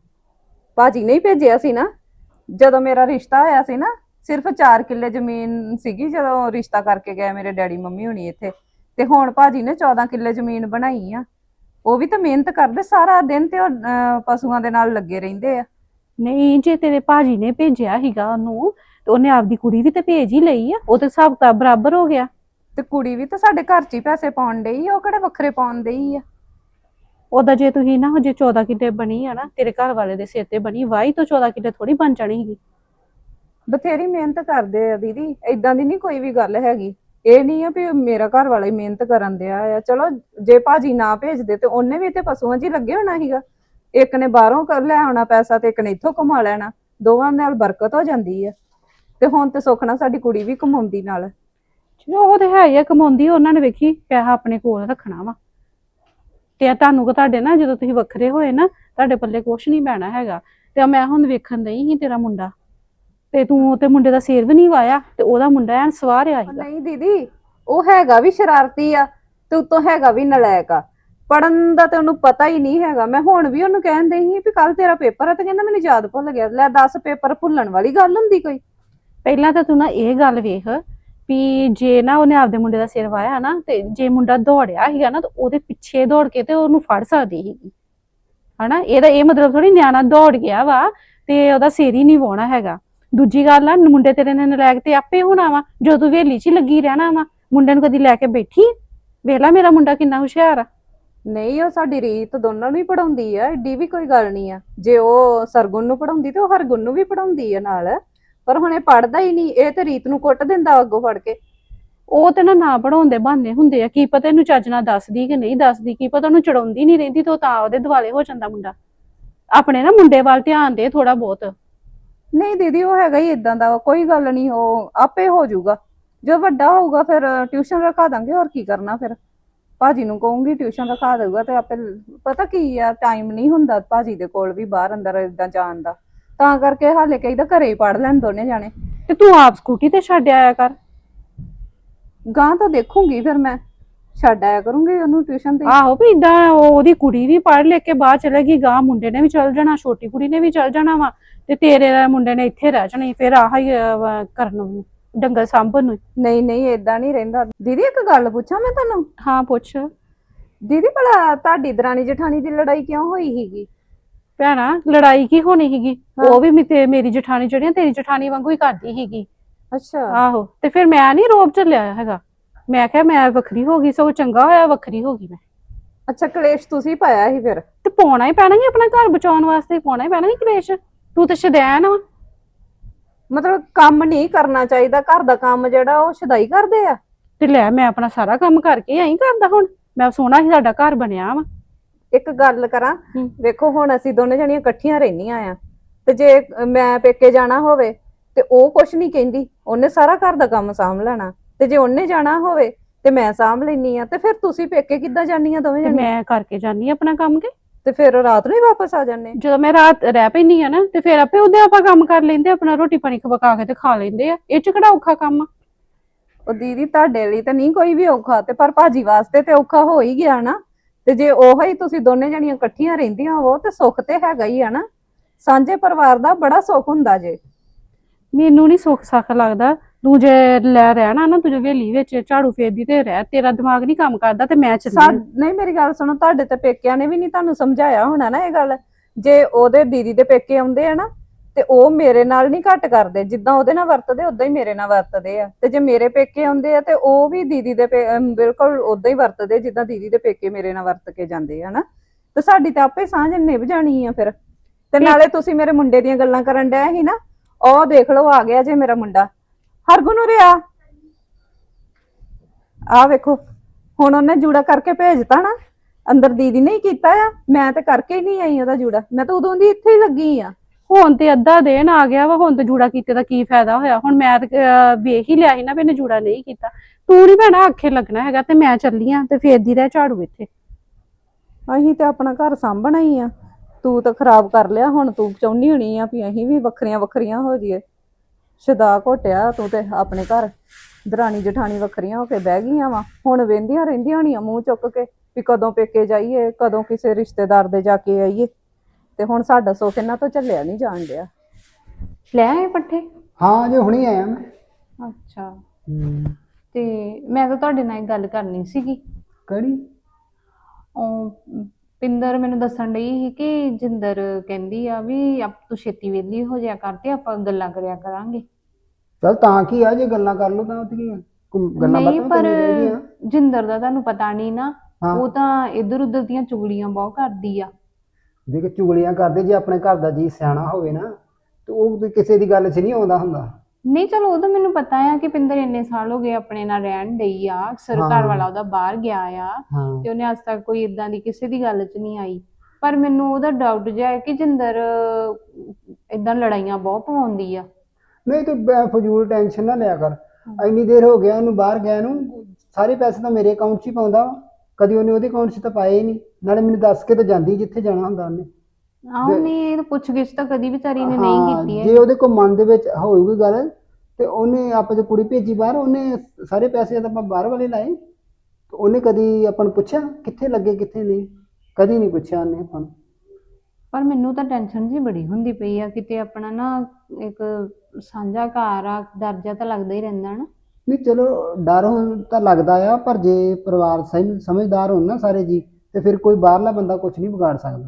A: ਭਾਜੀ ਨੇ ਹੀ ਭੇਜਿਆ ਸੀ ਨਾ। ਜਦੋਂ ਮੇਰਾ ਰਿਸ਼ਤਾ ਹੋਇਆ ਸੀ ਨਾ, ਸਿਰਫ ਚਾਰ ਕਿੱਲੇ ਜ਼ਮੀਨ ਸੀਗੀ ਜਦੋਂ ਰਿਸ਼ਤਾ ਕਰਕੇ ਗਏ ਮੇਰੇ ਡੈਡੀ ਮੰਮੀ ਹੁਣੀ ਇੱਥੇ, ਤੇ ਹੁਣ ਭਾਜੀ ਨੇ ਚੌਦਾਂ ਕਿੱਲੇ ਜ਼ਮੀਨ ਬਣਾਈ ਆ। ਉਹ ਵੀ ਤਾਂ ਮਿਹਨਤ ਕਰਦੇ ਸਾਰਾ ਦਿਨ, ਤੇ ਉਹ ਅਹ, ਪਸ਼ੂਆਂ ਦੇ ਨਾਲ ਲੱਗੇ ਰਹਿੰਦੇ ਆ।
B: ਨਹੀਂ, ਜੇ ਤੇਰੇ ਭਾਜੀ ਨੇ ਭੇਜਿਆ ਸੀਗਾ ਉਹਨੂੰ, ਤੇ ਉਹਨੇ ਆਪਦੀ ਕੁੜੀ ਵੀ ਤੇ ਭੇਜ ਹੀ ਲਈ ਆ। ਉਹ ਤੇ ਹਿਸਾਬ ਕਿਤਾਬ ਬਰਾਬਰ ਹੋ ਗਿਆ।
A: ਤੇ ਕੁੜੀ ਵੀ ਤਾਂ ਸਾਡੇ ਘਰ 'ਚ ਹੀ ਪੈਸੇ ਪਾਉਣ ਡਈ ਆ, ਉਹ ਕਿਹੜੇ ਵੱਖਰੇ ਪਾਉਣ ਡਈ ਆ।
B: ਉਹਦਾ ਜੇ ਤੁਸੀਂ ਨਾ ਹਜੇ ਚੌਦਾਂ ਕਿੱਲੇ ਬਣੀ ਆ ਨਾ, ਤੇਰੇ ਘਰ ਵਾਲੇ ਦੇ ਸਿਰ ਤੇ ਬਣੀ, ਵਾਹੀ ਤੋਂ ਚੌਦਾਂ ਕਿੱਲੇ ਥੋੜੀ ਬਣ ਜਾਣੀ ਸੀਗੀ।
A: ਬਥੇਰੀ ਮਿਹਨਤ ਕਰਦੇ ਆ ਦੀਦੀ, ਏਦਾਂ ਦੀ ਨਹੀਂ ਕੋਈ ਵੀ ਗੱਲ ਹੈਗੀ। ਇਹ ਨਹੀਂ ਆ ਵੀ ਮੇਰਾ ਘਰ ਵਾਲਾ ਹੀ ਮਿਹਨਤ ਕਰਨ ਦਿਆ ਆ। ਚਲੋ ਜੇ ਭਾਜੀ ਨਾ ਭੇਜਦੇ ਤੇ ਉਹਨੇ ਵੀ ਤੇ ਪਸ਼ੂਆਂ 'ਚ ਹੀ ਲੱਗੇ ਹੋਣਾ ਸੀਗਾ। ਇੱਕ ਨੇ ਬਾਹਰੋਂ ਕਰ ਲੈ ਆਉਣਾ ਪੈਸਾ ਤੇ ਇੱਕ ਨੇ ਇੱਥੋਂ ਕਮਾ ਲੈਣਾ, ਦੋਵਾਂ ਨਾਲ ਬਰਕਤ ਹੋ ਜਾਂਦੀ ਆ। ਤੇ ਹੁਣ ਤੇ ਸੁੱਖ ਨਾਲ ਸਾਡੀ ਕੁੜੀ ਵੀ ਕਮਾਉਂਦੀ ਨਾਲ।
B: ਚਲੋ ਉਹ ਤੇ ਹੈ ਹੀ ਆ, ਕਮਾਉਂਦੀ ਆ, ਉਹਨਾਂ ਨੇ ਵੇਖੀ ਪੈਸਾ ਆਪਣੇ ਕੋਲ ਰੱਖਣਾ ਵਾ। ਤੇ ਤੁਹਾਨੂੰ ਕਿ ਤੁਹਾਡੇ ਨਾ ਜਦੋਂ ਤੁਸੀਂ ਵੱਖਰੇ ਹੋਏ ਨਾ, ਤੁਹਾਡੇ ਪੱਲੇ ਕੁਛ ਨਹੀਂ ਪੈਣਾ ਹੈਗਾ। ਤੇ ਮੈਂ ਹੁਣ ਵੇਖਣ ਨਹੀਂ ਸੀ ਤੇਰਾ ਮੁੰਡਾ, ਤੇ ਤੂੰ ਤੇ ਮੁੰਡੇ ਦਾ ਸਿਰ ਵੀ ਨਹੀਂ ਵਾਇਆ, ਤੇ ਉਹਦਾ ਮੁੰਡਾ ਐਨ ਸਵਾਰਿਆ ਸੀਗਾ।
A: ਨਹੀਂ ਦੀਦੀ, ਉਹ ਹੈਗਾ ਵੀ ਸ਼ਰਾਰਤੀ ਆ ਤੇ ਉੱਤੋਂ ਹੈਗਾ ਵੀ ਨਲਾਇਕ ਆ। ਪੜਨ ਦਾ ਤੇ ਉਹਨੂੰ ਪਤਾ ਹੀ ਨਹੀਂ ਹੈਗਾ। ਮੈਂ ਹੁਣ ਵੀ ਉਹਨੂੰ ਕਹਿੰਦੇ ਸੀ ਵੀ ਕੱਲ ਤੇਰਾ ਪੇਪਰ ਆ, ਤੇ ਕਹਿੰਦਾ ਮੈਨੂੰ ਯਾਦ ਭੁੱਲ ਗਿਆ। ਲੈ ਦੱਸ, ਪੇਪਰ ਭੁੱਲਣ ਵਾਲੀ ਗੱਲ ਹੁੰਦੀ ਕੋਈ?
B: ਪਹਿਲਾਂ ਤਾਂ ਤੂੰ ਨਾ ਇਹ ਗੱਲ ਵੇਖ ਵੀ ਜੇ ਨਾ ਉਹਨੇ ਆਪਦੇ ਮੁੰਡੇ ਦਾ ਸਿਰ ਵਾਇਆ ਨਾ, ਤੇ ਜੇ ਮੁੰਡਾ ਦੌੜਿਆ ਸੀਗਾ ਨਾ, ਤਾਂ ਉਹਦੇ ਪਿੱਛੇ ਦੌੜ ਕੇ ਤੇ ਉਹਨੂੰ ਫੜ ਸਕਦੀ ਸੀਗੀ, ਹਨਾ। ਇਹਦਾ ਇਹ ਮਤਲਬ ਥੋੜੀ ਨਿਆਣਾ ਦੌੜ ਗਿਆ ਵਾ ਤੇ ਉਹਦਾ ਸਿਰ ਹੀ ਨਹੀਂ ਵਾਹੁਣਾ ਹੈਗਾ। ਦੂਜੀ ਗੱਲ ਆ, ਮੁੰਡੇ ਤੇਰੇ ਨੇ ਨਲਾਇਕ ਤੇ ਆਪੇ ਹੋਣਾ ਵਾ, ਜਦੋਂ ਤੂੰ ਹਵੇਲੀ 'ਚ ਹੀ ਲੱਗੀ ਰਹਿਣਾ ਵਾ। ਮੁੰਡੇ ਨੂੰ ਕਦੀ ਲੈ ਕੇ ਬੈਠੀ? ਵੇਖ ਲੈ ਮੇਰਾ ਮੁੰਡਾ ਕਿੰਨਾ ਹੁਸ਼ਿਆਰ ਆ।
A: ਨਹੀਂ, ਉਹ ਸਾਡੀ ਰੀਤ ਦੋਨਾਂ ਨੂੰ ਹੀ ਪੜਾਉਂਦੀ ਆ, ਏਡੀ ਵੀ ਕੋਈ ਗੱਲ ਨਹੀਂ ਆ। ਜੇ ਉਹ ਸਰਗੁਣ ਨੂੰ ਪੜਾਉਂਦੀ ਤੇ ਉਹ ਹਰਗੁਣ ਨੂੰ ਵੀ ਪੜਾਉਂਦੀ ਆ ਨਾਲ। ਪਰ ਹੁਣ ਇਹ ਪੜਦਾ ਹੀ ਨਹੀਂ, ਇਹ ਤੇ ਰੀਤ ਨੂੰ ਕੁੱਟ ਦਿੰਦਾ ਅੱਗੋਂ ਫੜ ਕੇ।
B: ਉਹ ਤੇ ਨਾ ਨਾ ਪੜਾਉਣ ਦੇ ਬਹਾਨੇ ਹੁੰਦੇ ਆ। ਕੀ ਪਤਾ ਇਹਨੂੰ ਚੱਜ ਨਾਲ ਦੱਸਦੀ ਕਿ ਨਹੀਂ ਦੱਸਦੀ, ਕੀ ਪਤਾ ਉਹਨੂੰ ਚੜਾਉਂਦੀ ਨਹੀਂ ਰਹਿੰਦੀ, ਤੇ ਉਹ ਤਾਂ ਉਹਦੇ ਦੁਆਲੇ ਹੋ ਜਾਂਦਾ ਮੁੰਡਾ। ਆਪਣੇ ਨਾ ਮੁੰਡੇ ਵੱਲ ਧਿਆਨ ਦੇ ਥੋੜਾ ਬਹੁਤ।
A: ਨਹੀਂ ਦੀਦੀ, ਉਹ ਹੈਗਾ ਹੀ ਇਦਾਂ ਦਾ, ਕੋਈ ਗੱਲ ਨਹੀਂ, ਉਹ ਆਪੇ ਹੋ ਜਾਊਗਾ। ਜੋ ਵੱਡਾ ਹੋਊਗਾ ਫਿਰ ਟਿਊਸ਼ਨ ਰਖਾ ਦਾਂਗੇ, ਹੋਰ ਕੀ ਕਰਨਾ। ਫਿਰ ਭਾਜੀ ਨੂੰ ਕਹੂੰਗੀ ਟਿਊਸ਼ਨ ਰਖਾ ਦੇਊਗਾ, ਤੇ ਆਪੇ। ਪਤਾ ਕੀ ਆ, ਟਾਈਮ ਨਹੀਂ ਹੁੰਦਾ ਭਾਜੀ ਦੇ ਕੋਲ ਵੀ ਬਾਹਰ ਅੰਦਰ ਏਦਾਂ ਜਾਣ ਦਾ, ਤਾਂ ਕਰਕੇ ਹਾਲੇ ਕਹੀਦਾ ਘਰੇ ਹੀ ਪੜ ਲੈਣ ਦੋਨੇ ਜਾਣੇ।
B: ਤੇ ਤੂੰ ਆਪ ਸਕੂਟੀ ਤੇ ਛੱਡ ਆਇਆ ਕਰ।
A: ਗਾਂ ਤਾਂ ਦੇਖੂੰਗੀ, ਫਿਰ ਮੈਂ ਛੱਡ ਆਇਆ ਕਰੂੰਗੀ ਉਹਨੂੰ ਟਿਊਸ਼ਨ ਤੇ।
B: ਆਹੋ ਵੀ ਇਦਾਂ ਉਹਦੀ ਕੁੜੀ ਵੀ ਪੜ੍ਹ ਲਿਖ ਕੇ ਬਾਹਰ ਚਲੇਗੀ, ਗਾਂ ਮੁੰਡੇ ਨੇ ਵੀ ਚਲ ਜਾਣਾ, ਛੋਟੀ ਕੁੜੀ ਨੇ ਵੀ ਚਲ ਜਾਣਾ ਵਾ, ਤੇ ਤੇਰੇ ਦਾ ਮੁੰਡੇ ਨੇ ਇੱਥੇ ਰਹਿ ਜਾਣਾ। ਫਿਰ ਆਹ ਹੀ ਅਹ, ਕਰਨ ਨੂੰ ਡੰਗਰ ਸਾਂਭਣ ਨੂੰ।
A: ਨਹੀਂ ਨਹੀਂ, ਏਦਾਂ ਨਹੀਂ ਰਹਿੰਦਾ ਦੀਦੀ। ਇੱਕ ਗੱਲ ਪੁੱਛਾਂ ਮੈਂ ਤੁਹਾਨੂੰ?
B: ਹਾਂ ਪੁੱਛ।
A: ਦੀਦੀ ਭਲਾ ਤੁਹਾਡੀ ਦਰਾਣੀ ਜਠਾਣੀ ਦੀ ਲੜਾਈ ਕਿਉਂ ਹੋਈ ਸੀਗੀ?
B: ਭੈਣਾ ਲੜਾਈ ਕੀ ਹੋਣੀ ਸੀਗੀ? ਉਹ ਵੀ ਮੇ- ਮੇਰੀ ਜਠਾਣੀ ਜਿਹੜੀਆਂ ਤੇਰੀ ਜਠਾਣੀ ਵਾਂਗੂ ਹੀ ਕਰਦੀ ਸੀਗੀ।
A: ਅੱਛਾ।
B: ਆਹੋ, ਤੇ ਫਿਰ ਮੈਂ ਨਹੀਂ ਰੋਬ ਝੱਲਿਆ ਹੈਗਾ। ਮੈਂ ਕਿਹਾ ਮੈਂ ਵੱਖਰੀ ਹੋ ਗਈ, ਸਗੋਂ ਚੰਗਾ ਹੋਇਆ ਵੱਖਰੀ ਹੋ ਗਈ ਮੈਂ।
A: ਅੱਛਾ, ਕਲੇਸ਼ ਤੁਸੀਂ ਪਾਇਆ ਸੀ ਫਿਰ?
B: ਤੇ ਪਾਉਣਾ ਹੀ ਪੈਣਾ ਸੀ, ਆਪਣਾ ਘਰ ਬਚਾਉਣ ਵਾਸਤੇ ਪਾਉਣਾ ਹੀ ਪੈਣਾ ਸੀ ਕਲੇਸ਼। ਤੂੰ ਤੇ ਸ਼ੁਦੈਣ ਵਾ।
A: ਮਤਲਬ ਕੰਮ ਨਹੀਂ ਕਰਨਾ ਚਾਹੀਦਾ, ਘਰ ਦਾ ਕੰਮ ਜਿਹੜਾ ਉਹ ਸ਼ਦਾਈ ਕਰਦੇ ਆ।
B: ਤੇ ਲੈ ਮੈਂ ਆਪਣਾ ਸਾਰਾ ਕੰਮ ਕਰਕੇ ਆਈ ਕਰਦਾ। ਹੁਣ ਮੈਂ ਸੋਹਣਾ ਸੀ ਸਾਡਾ ਘਰ ਬਣਿਆ ਵਾ।
A: ਇੱਕ ਗੱਲ ਕਰਾਂ,
B: ਹੂੰ।
A: ਵੇਖੋ ਹੁਣ ਅਸੀਂ ਦੋਨੇ ਜਣੀਆਂ ਇਕੱਠੀਆਂ ਰਹਿੰਦੀਆਂ ਆ, ਤੇ ਜੇ ਮੈਂ ਪੇਕੇ ਜਾਣਾ ਹੋਵੇ ਤੇ ਉਹ ਕੁਛ ਨਹੀਂ ਕਹਿੰਦੀ, ਉਹਨੇ ਸਾਰਾ ਘਰ ਦਾ ਕੰਮ ਸਾਂਭ ਲੈਣਾ। ਤੇ ਜੇ ਉਹਨੇ ਜਾਣਾ ਹੋਵੇ ਤੇ ਮੈਂ ਸਾਂਭ ਲੈਣੀ ਆ, ਤੇ ਫਿਰ ਤੁਸੀਂ ਪੇਕੇ ਕਿੱਦਾਂ ਜਾਂਦੀਆਂ ਦੋਵੇਂ
B: ਤੇ
A: ਜਣੀਆਂ?
B: ਮੈਂ ਕਰਕੇ ਜਾਨੀ ਆਪਣਾ ਕੰਮ ਕੇ।
A: ਤੇ ਫਿਰ ਰਾਤ ਨੂੰ ਹੀ ਵਾਪਸ ਆ ਜਾਂਦੇ?
B: ਜਦੋਂ ਮੈਂ ਰਾਤ ਰਹਿ ਪੈਂਦੀ ਆ ਨਾ, ਤੇ ਫਿਰ ਆਪੇ ਉਹਦੇ ਆਪਾਂ ਕੰਮ ਕਰ ਲੈਂਦੇ, ਆਪਣਾ ਰੋਟੀ ਪਾਣੀ ਪਕਾ ਕੇ ਤੇ ਖਾ ਲੈਂਦੇ ਆ। ਇਹ ਚ ਕਿਹੜਾ ਔਖਾ ਕੰਮ ਆ?
A: ਉਹ ਦੀਦੀ ਤੁਹਾਡੇ ਲਈ ਤਾਂ ਨਹੀਂ ਕੋਈ ਵੀ ਔਖਾ, ਤੇ ਪਰ ਭਾਜੀ ਵਾਸਤੇ ਤੇ ਔਖਾ ਹੋ ਹੀ ਗਿਆ ਨਾ। ਤੇ ਜੇ ਉਹ ਹੀ ਤੁਸੀਂ ਦੋਨੇ ਜਣੀਆਂ ਇਕੱਠੀਆਂ ਰਹਿੰਦੀਆਂ ਹੋ ਤੇ ਸੁੱਖ ਤੇ ਹੈਗਾ ਹੀ ਆ ਨਾ। ਸਾਂਝੇ ਪਰਿਵਾਰ ਦਾ ਬੜਾ ਸੁੱਖ ਹੁੰਦਾ ਜੇ।
B: ਮੈਨੂੰ ਨਹੀਂ ਸੁੱਖ ਸੱਖ ਲੱਗਦਾ। ਤੂੰ ਜੇ ਲੈ ਰਹਿਣਾ ਨਾ, ਤੂੰ ਜੇ ਹਵੇਲੀ ਵਿੱਚ ਝਾੜੂ ਫੇਰਦੀ ਤੇ ਰਹਿ, ਤੇਰਾ ਦਿਮਾਗ ਨਹੀਂ ਕੰਮ ਕਰਦਾ, ਤੇ ਮੈਂ
A: ਸਾ
B: ਚੱਲੀ।
A: ਨਹੀਂ, ਮੇਰੀ ਗੱਲ ਸੁਣੋ, ਤੁਹਾਡੇ ਤੇ ਪੇਕਿਆਂ ਨੇ ਵੀ ਨਹੀਂ ਤੁਹਾਨੂੰ ਸਮਝਾਇਆ ਹੋਣਾ ਨਾ ਇਹ ਗੱਲ। ਜੇ ਉਹਦੇ ਦੀਦੀ ਦੇ ਪੇਕੇ ਆਉਂਦੇ ਆ ਨਾ, ਤੇ ਉਹ ਮੇਰੇ ਨਾਲ ਨਹੀਂ ਘੱਟ ਕਰਦੇ, ਜਿੱਦਾਂ ਉਹਦੇ ਨਾਲ ਵਰਤਦੇ ਉਦਾਂ ਹੀ ਮੇਰੇ ਨਾਲ ਵਰਤਦੇ ਆ। ਤੇ ਜੇ ਮੇਰੇ ਪੇਕੇ ਆਉਂਦੇ ਆ ਤੇ ਉਹ ਵੀ ਦੀਦੀ ਦੇ ਪੇ- ਅਮ ਬਿਲਕੁਲ ਉਦਾਂ ਹੀ ਵਰਤਦੇ ਜਿੱਦਾਂ ਦੀਦੀ ਦੇ ਪੇਕੇ ਮੇਰੇ ਨਾਲ ਵਰਤ ਕੇ ਜਾਂਦੇ ਆ ਨਾ। ਤੇ ਸਾਡੀ ਤਾਂ ਆਪੇ ਸਾਂਝ ਨਿਭ ਜਾਣੀ ਆ ਫਿਰ। ਤੇ ਨਾਲੇ ਤੁਸੀਂ ਮੇਰੇ ਮੁੰਡੇ ਦੀਆਂ ਗੱਲਾਂ ਕਰਨ ਡਏ ਸੀ ਨਾ, ਉਹ ਦੇਖ ਲਓ ਆ ਗਿਆ ਜੇ ਮੇਰਾ ਮੁੰਡਾ ਹਰਗੁਣ। ਉਰੇ ਆ, ਆ ਵੇਖੋ, ਹੁਣ ਉਹਨੇ ਜੂੜਾ ਕਰਕੇ ਭੇਜਤਾ ਨਾ। ਅੰਦਰ ਦੀਦੀ ਨੇ ਹੀ ਕੀਤਾ ਆ, ਮੈਂ ਤੇ ਕਰਕੇ ਹੀ ਨਹੀਂ ਆਈ ਉਹਦਾ ਜੂੜਾ। ਮੈਂ ਤਾਂ ਉਦੋਂ ਦੀ ਇੱਥੇ ਹੀ ਲੱਗੀ ਆ।
B: ਹੁਣ ਤੇ ਅੱਧਾ ਦਿਨ ਆ ਗਿਆ ਵਾ, ਹੁਣ ਤੇ ਜੂੜਾ ਕੀਤੇ ਦਾ ਕੀ ਫਾਇਦਾ ਹੋਇਆ? ਹੁਣ ਮੈਂ ਤੇ ਅਹ, ਵੇਖ ਹੀ ਲਿਆ ਸੀ ਨਾ ਵੀ ਇਹਨੇ ਜੂੜਾ ਨਹੀਂ ਕੀਤਾ। ਤੂੰ ਨੀ ਭੈਣਾ ਆਖੇ ਲੱਗਣਾ ਹੈਗਾ, ਤੇ ਮੈਂ ਚੱਲੀ ਆ ਤੇ ਫੇਰਦੀ ਰਹਿ ਝਾੜੂ ਇੱਥੇ।
A: ਅਸੀਂ ਤੇ ਆਪਣਾ ਘਰ ਸਾਂਭਣਾ ਹੀ ਆ, ਤੂੰ ਤਾਂ ਖਰਾਬ ਕਰ ਲਿਆ। ਹੁਣ ਤੂੰ ਚਾਹੁੰਦੀ ਹੋਣੀ ਆ ਵੀ ਅਸੀਂ ਵੀ ਵੱਖਰੀਆਂ ਵੱਖਰੀਆਂ ਹੋ ਜਾਈਏ। ਸ਼ਦਾ ਘੋਟਿਆ ਤੂੰ ਤੇ ਆਪਣੇ ਘਰ। ਦਰਾਣੀ ਜਠਾਣੀ ਵੱਖਰੀਆਂ ਹੋ ਕੇ ਬਹਿ ਗਈਆਂ ਵਾ। ਹੁਣ ਵੇਂਦੀਆਂ ਰਹਿੰਦੀਆਂ ਹੋਣੀਆਂ ਮੂੰਹ ਚੁੱਕ ਕੇ ਵੀ ਕਦੋਂ ਪੇਕੇ ਜਾਈਏ, ਕਦੋਂ ਕਿਸੇ ਰਿਸ਼ਤੇਦਾਰ ਦੇ ਜਾ ਕੇ ਆਈਏ। ਤੇ ਹੁਣ ਸਾਡਾ ਸੁੱਖ ਇਹਨਾਂ ਤੋਂ ਝੱਲਿਆ ਨਹੀਂ ਜਾਣ ਡਿਆ।
B: ਲੈ ਆਏ ਪੱਠੇ?
E: ਹਾਂ ਜੇ ਹੁਣੀ ਆਇਆ ਮੈਂ।
B: ਅੱਛਾ,
E: ਹੂੰ।
B: ਤੇ ਮੈਂ ਤਾਂ ਤੁਹਾਡੇ ਨਾਲ ਇੱਕ ਗੱਲ ਕਰਨੀ ਸੀਗੀ।
E: ਕਿਹੜੀ?
B: ਉਹ ਪਿੰਦਰ ਮੈਨੂੰ ਦੱਸਣ ਡਈ ਸੀ ਕਿ ਜਿੰਦਰ ਕਹਿੰਦੀ ਆ ਵੀ ਆਪ ਤੂੰ ਛੇਤੀ ਵਿਹਲੀ ਹੋ ਜਾਇਆ ਕਰ ਤੇ ਆਪਾਂ ਗੱਲਾਂ ਕਰਿਆ ਕਰਾਂਗੇ।
E: ਚਲ ਤਾਂ ਕੀ ਆ, ਜੇ ਗੱਲਾਂ ਕਰ ਲਓ ਤਾਂ ਉੱਥੇ ਕੀ ਆ, ਕੋਈ ਗੱਲਾਂ
B: ਨਹੀਂ
E: ਬਾਤਾਂ
B: ਪਰ
E: ਕਰਨੀਆਂ ਚਾਹੀਦੀਆਂ।
B: ਜਿੰਦਰ ਦਾ ਤੁਹਾਨੂੰ ਪਤਾ ਨਹੀਂ ਨਾ,
E: ਹਾਂ।
B: ਉਹ ਤਾਂ ਇੱਧਰ ਉੱਧਰ ਦੀਆਂ ਚੁਗਲੀਆਂ ਬਹੁਤ ਕਰਦੀ ਆ।
E: ਦੇਖ ਚੁਗਲੀਆਂ ਕਰਦੇ, ਜੇ ਆਪਣੇ ਘਰ ਦਾ ਜੀ ਸਿਆਣਾ ਹੋਵੇ ਨਾ ਤੇ ਉਹ ਵੀ ਕਿਸੇ ਦੀ ਗੱਲ 'ਚ ਨਹੀਂ ਆਉਂਦਾ ਹੁੰਦਾ।
B: ਨਹੀਂ ਚਲੋ ਉਹ ਤਾਂ ਮੈਨੂੰ ਪਤਾ ਆ ਕਿ ਪਿੰਦਰ ਇੰਨੇ ਸਾਲ ਹੋ ਗਏ ਆਪਣੇ ਨਾਲ ਰਹਿਣ ਡਈ ਆ, ਅਕਸਰ
E: ਹਾਂ।
B: ਘਰ ਵਾਲਾ ਉਹਦਾ ਬਾਹਰ ਗਿਆ ਆ
E: ਹਾਂ
B: ਤੇ ਉਹਨੇ ਅੱਜ ਤੱਕ ਕੋਈ ਇਦਾਂ ਦੀ ਕਿਸੇ ਦੀ ਗੱਲ 'ਚ ਨਹੀਂ ਆਈ। ਪਰ ਮੈਨੂੰ ਉਹਦਾ ਡਾਊਟ ਜਿਹਾ ਹੈ ਕਿ ਜਿੰਦਰ ਇਦਾਂ ਲੜਾਈਆਂ ਬਹੁਤ ਪਵਾਉਂਦੀ ਆ।
E: ਨਹੀਂ ਤੂੰ ਬੈ- ਫਜ਼ੂਲ ਟੈਨਸ਼ਨ ਨਾ ਲਿਆ ਕਰ। ਇੰਨੀ ਦੇਰ ਹੋ ਗਿਆ ਉਹਨੂੰ ਬਾਹਰ ਗਿਆ ਨੂੰ, ਸਾਰੇ ਪੈਸੇ ਤਾਂ ਮੇਰੇ ਅਕਾਊਂਟ 'ਚ ਹੀ ਪਾਉਂਦਾ ਵਾ, ਕਦੀ ਉਹਨੇ ਉਹਦੇ ਅਕਾਊਂਟ 'ਚ ਤਾਂ ਪਾਏ ਹੀ ਨਹੀਂ। ਨਾਲੇ ਮੈਨੂੰ ਦੱਸ ਕੇ ਤਾਂ ਜਾਂਦੀ ਜਿੱਥੇ ਜਾਣਾ ਹੁੰਦਾ ਉਹਨੇ।
B: ਆਹ ਨਹੀਂ ਪੁੱਛ ਗਿੱਛ ਤਾਂ ਕਦੀ ਵਿਚਾਰੀ ਨੇ ਨਹੀਂ
E: ਹਾਂ,
B: ਕੀਤੀ
E: ਜੇ
B: ਹੈ।
E: ਉਹਦੇ ਕੋਲ ਮਨ ਦੇ ਵਿੱਚ ਹੋਊਗੀ ਗੱਲ ਤੇ ਉਹਨੇ ਆਪਾਂ ਜੇ ਕੁੜੀ ਭੇਜੀ ਬਾਹਰ, ਉਹਨੇ ਸਾਰੇ ਪੈਸੇ ਤਾਂ ਆਪਾਂ ਬਾਹਰ ਵਾਲੇ ਲਾਏ। ਤੇ ਉਹਨੇ ਕਦੀ ਆਪਾਂ ਨੂੰ ਪੁੱਛਿਆ ਕਿੱਥੇ ਲੱਗੇ ਕਿੱਥੇ ਨਹੀਂ? ਕਦੀ ਨਹੀਂ ਪੁੱਛਿਆ ਉਹਨੇ ਆਪਾਂ ਨੂੰ।
B: ਪਰ ਮੈਨੂੰ ਤਾਂ ਟੈਨਸ਼ਨ ਜੀ ਬੜੀ ਹੁੰਦੀ ਪਈ ਆ, ਕਿਤੇ ਆਪਣਾ ਨਾ ਇੱਕ ਸਾਂਝਾ ਘਰ ਆ, ਡਰ ਜਿਹਾ ਤਾਂ ਲੱਗਦਾ ਹੀ ਰਹਿੰਦਾ ਨਾ।
E: ਨਹੀਂ ਚਲੋ ਡਰ ਹੋ ਤਾਂ ਲੱਗਦਾ ਆ, ਪਰ ਜੇ ਪਰਿਵਾਰ ਸਹੀ ਸਮਝਦਾਰ ਹੋਣ ਨਾ ਸਾਰੇ ਜੀ, ਤੇ ਫਿਰ ਕੋਈ ਬਾਹਰਲਾ ਬੰਦਾ ਕੁਝ ਨਹੀਂ ਵਿਗਾੜ ਸਕਦਾ।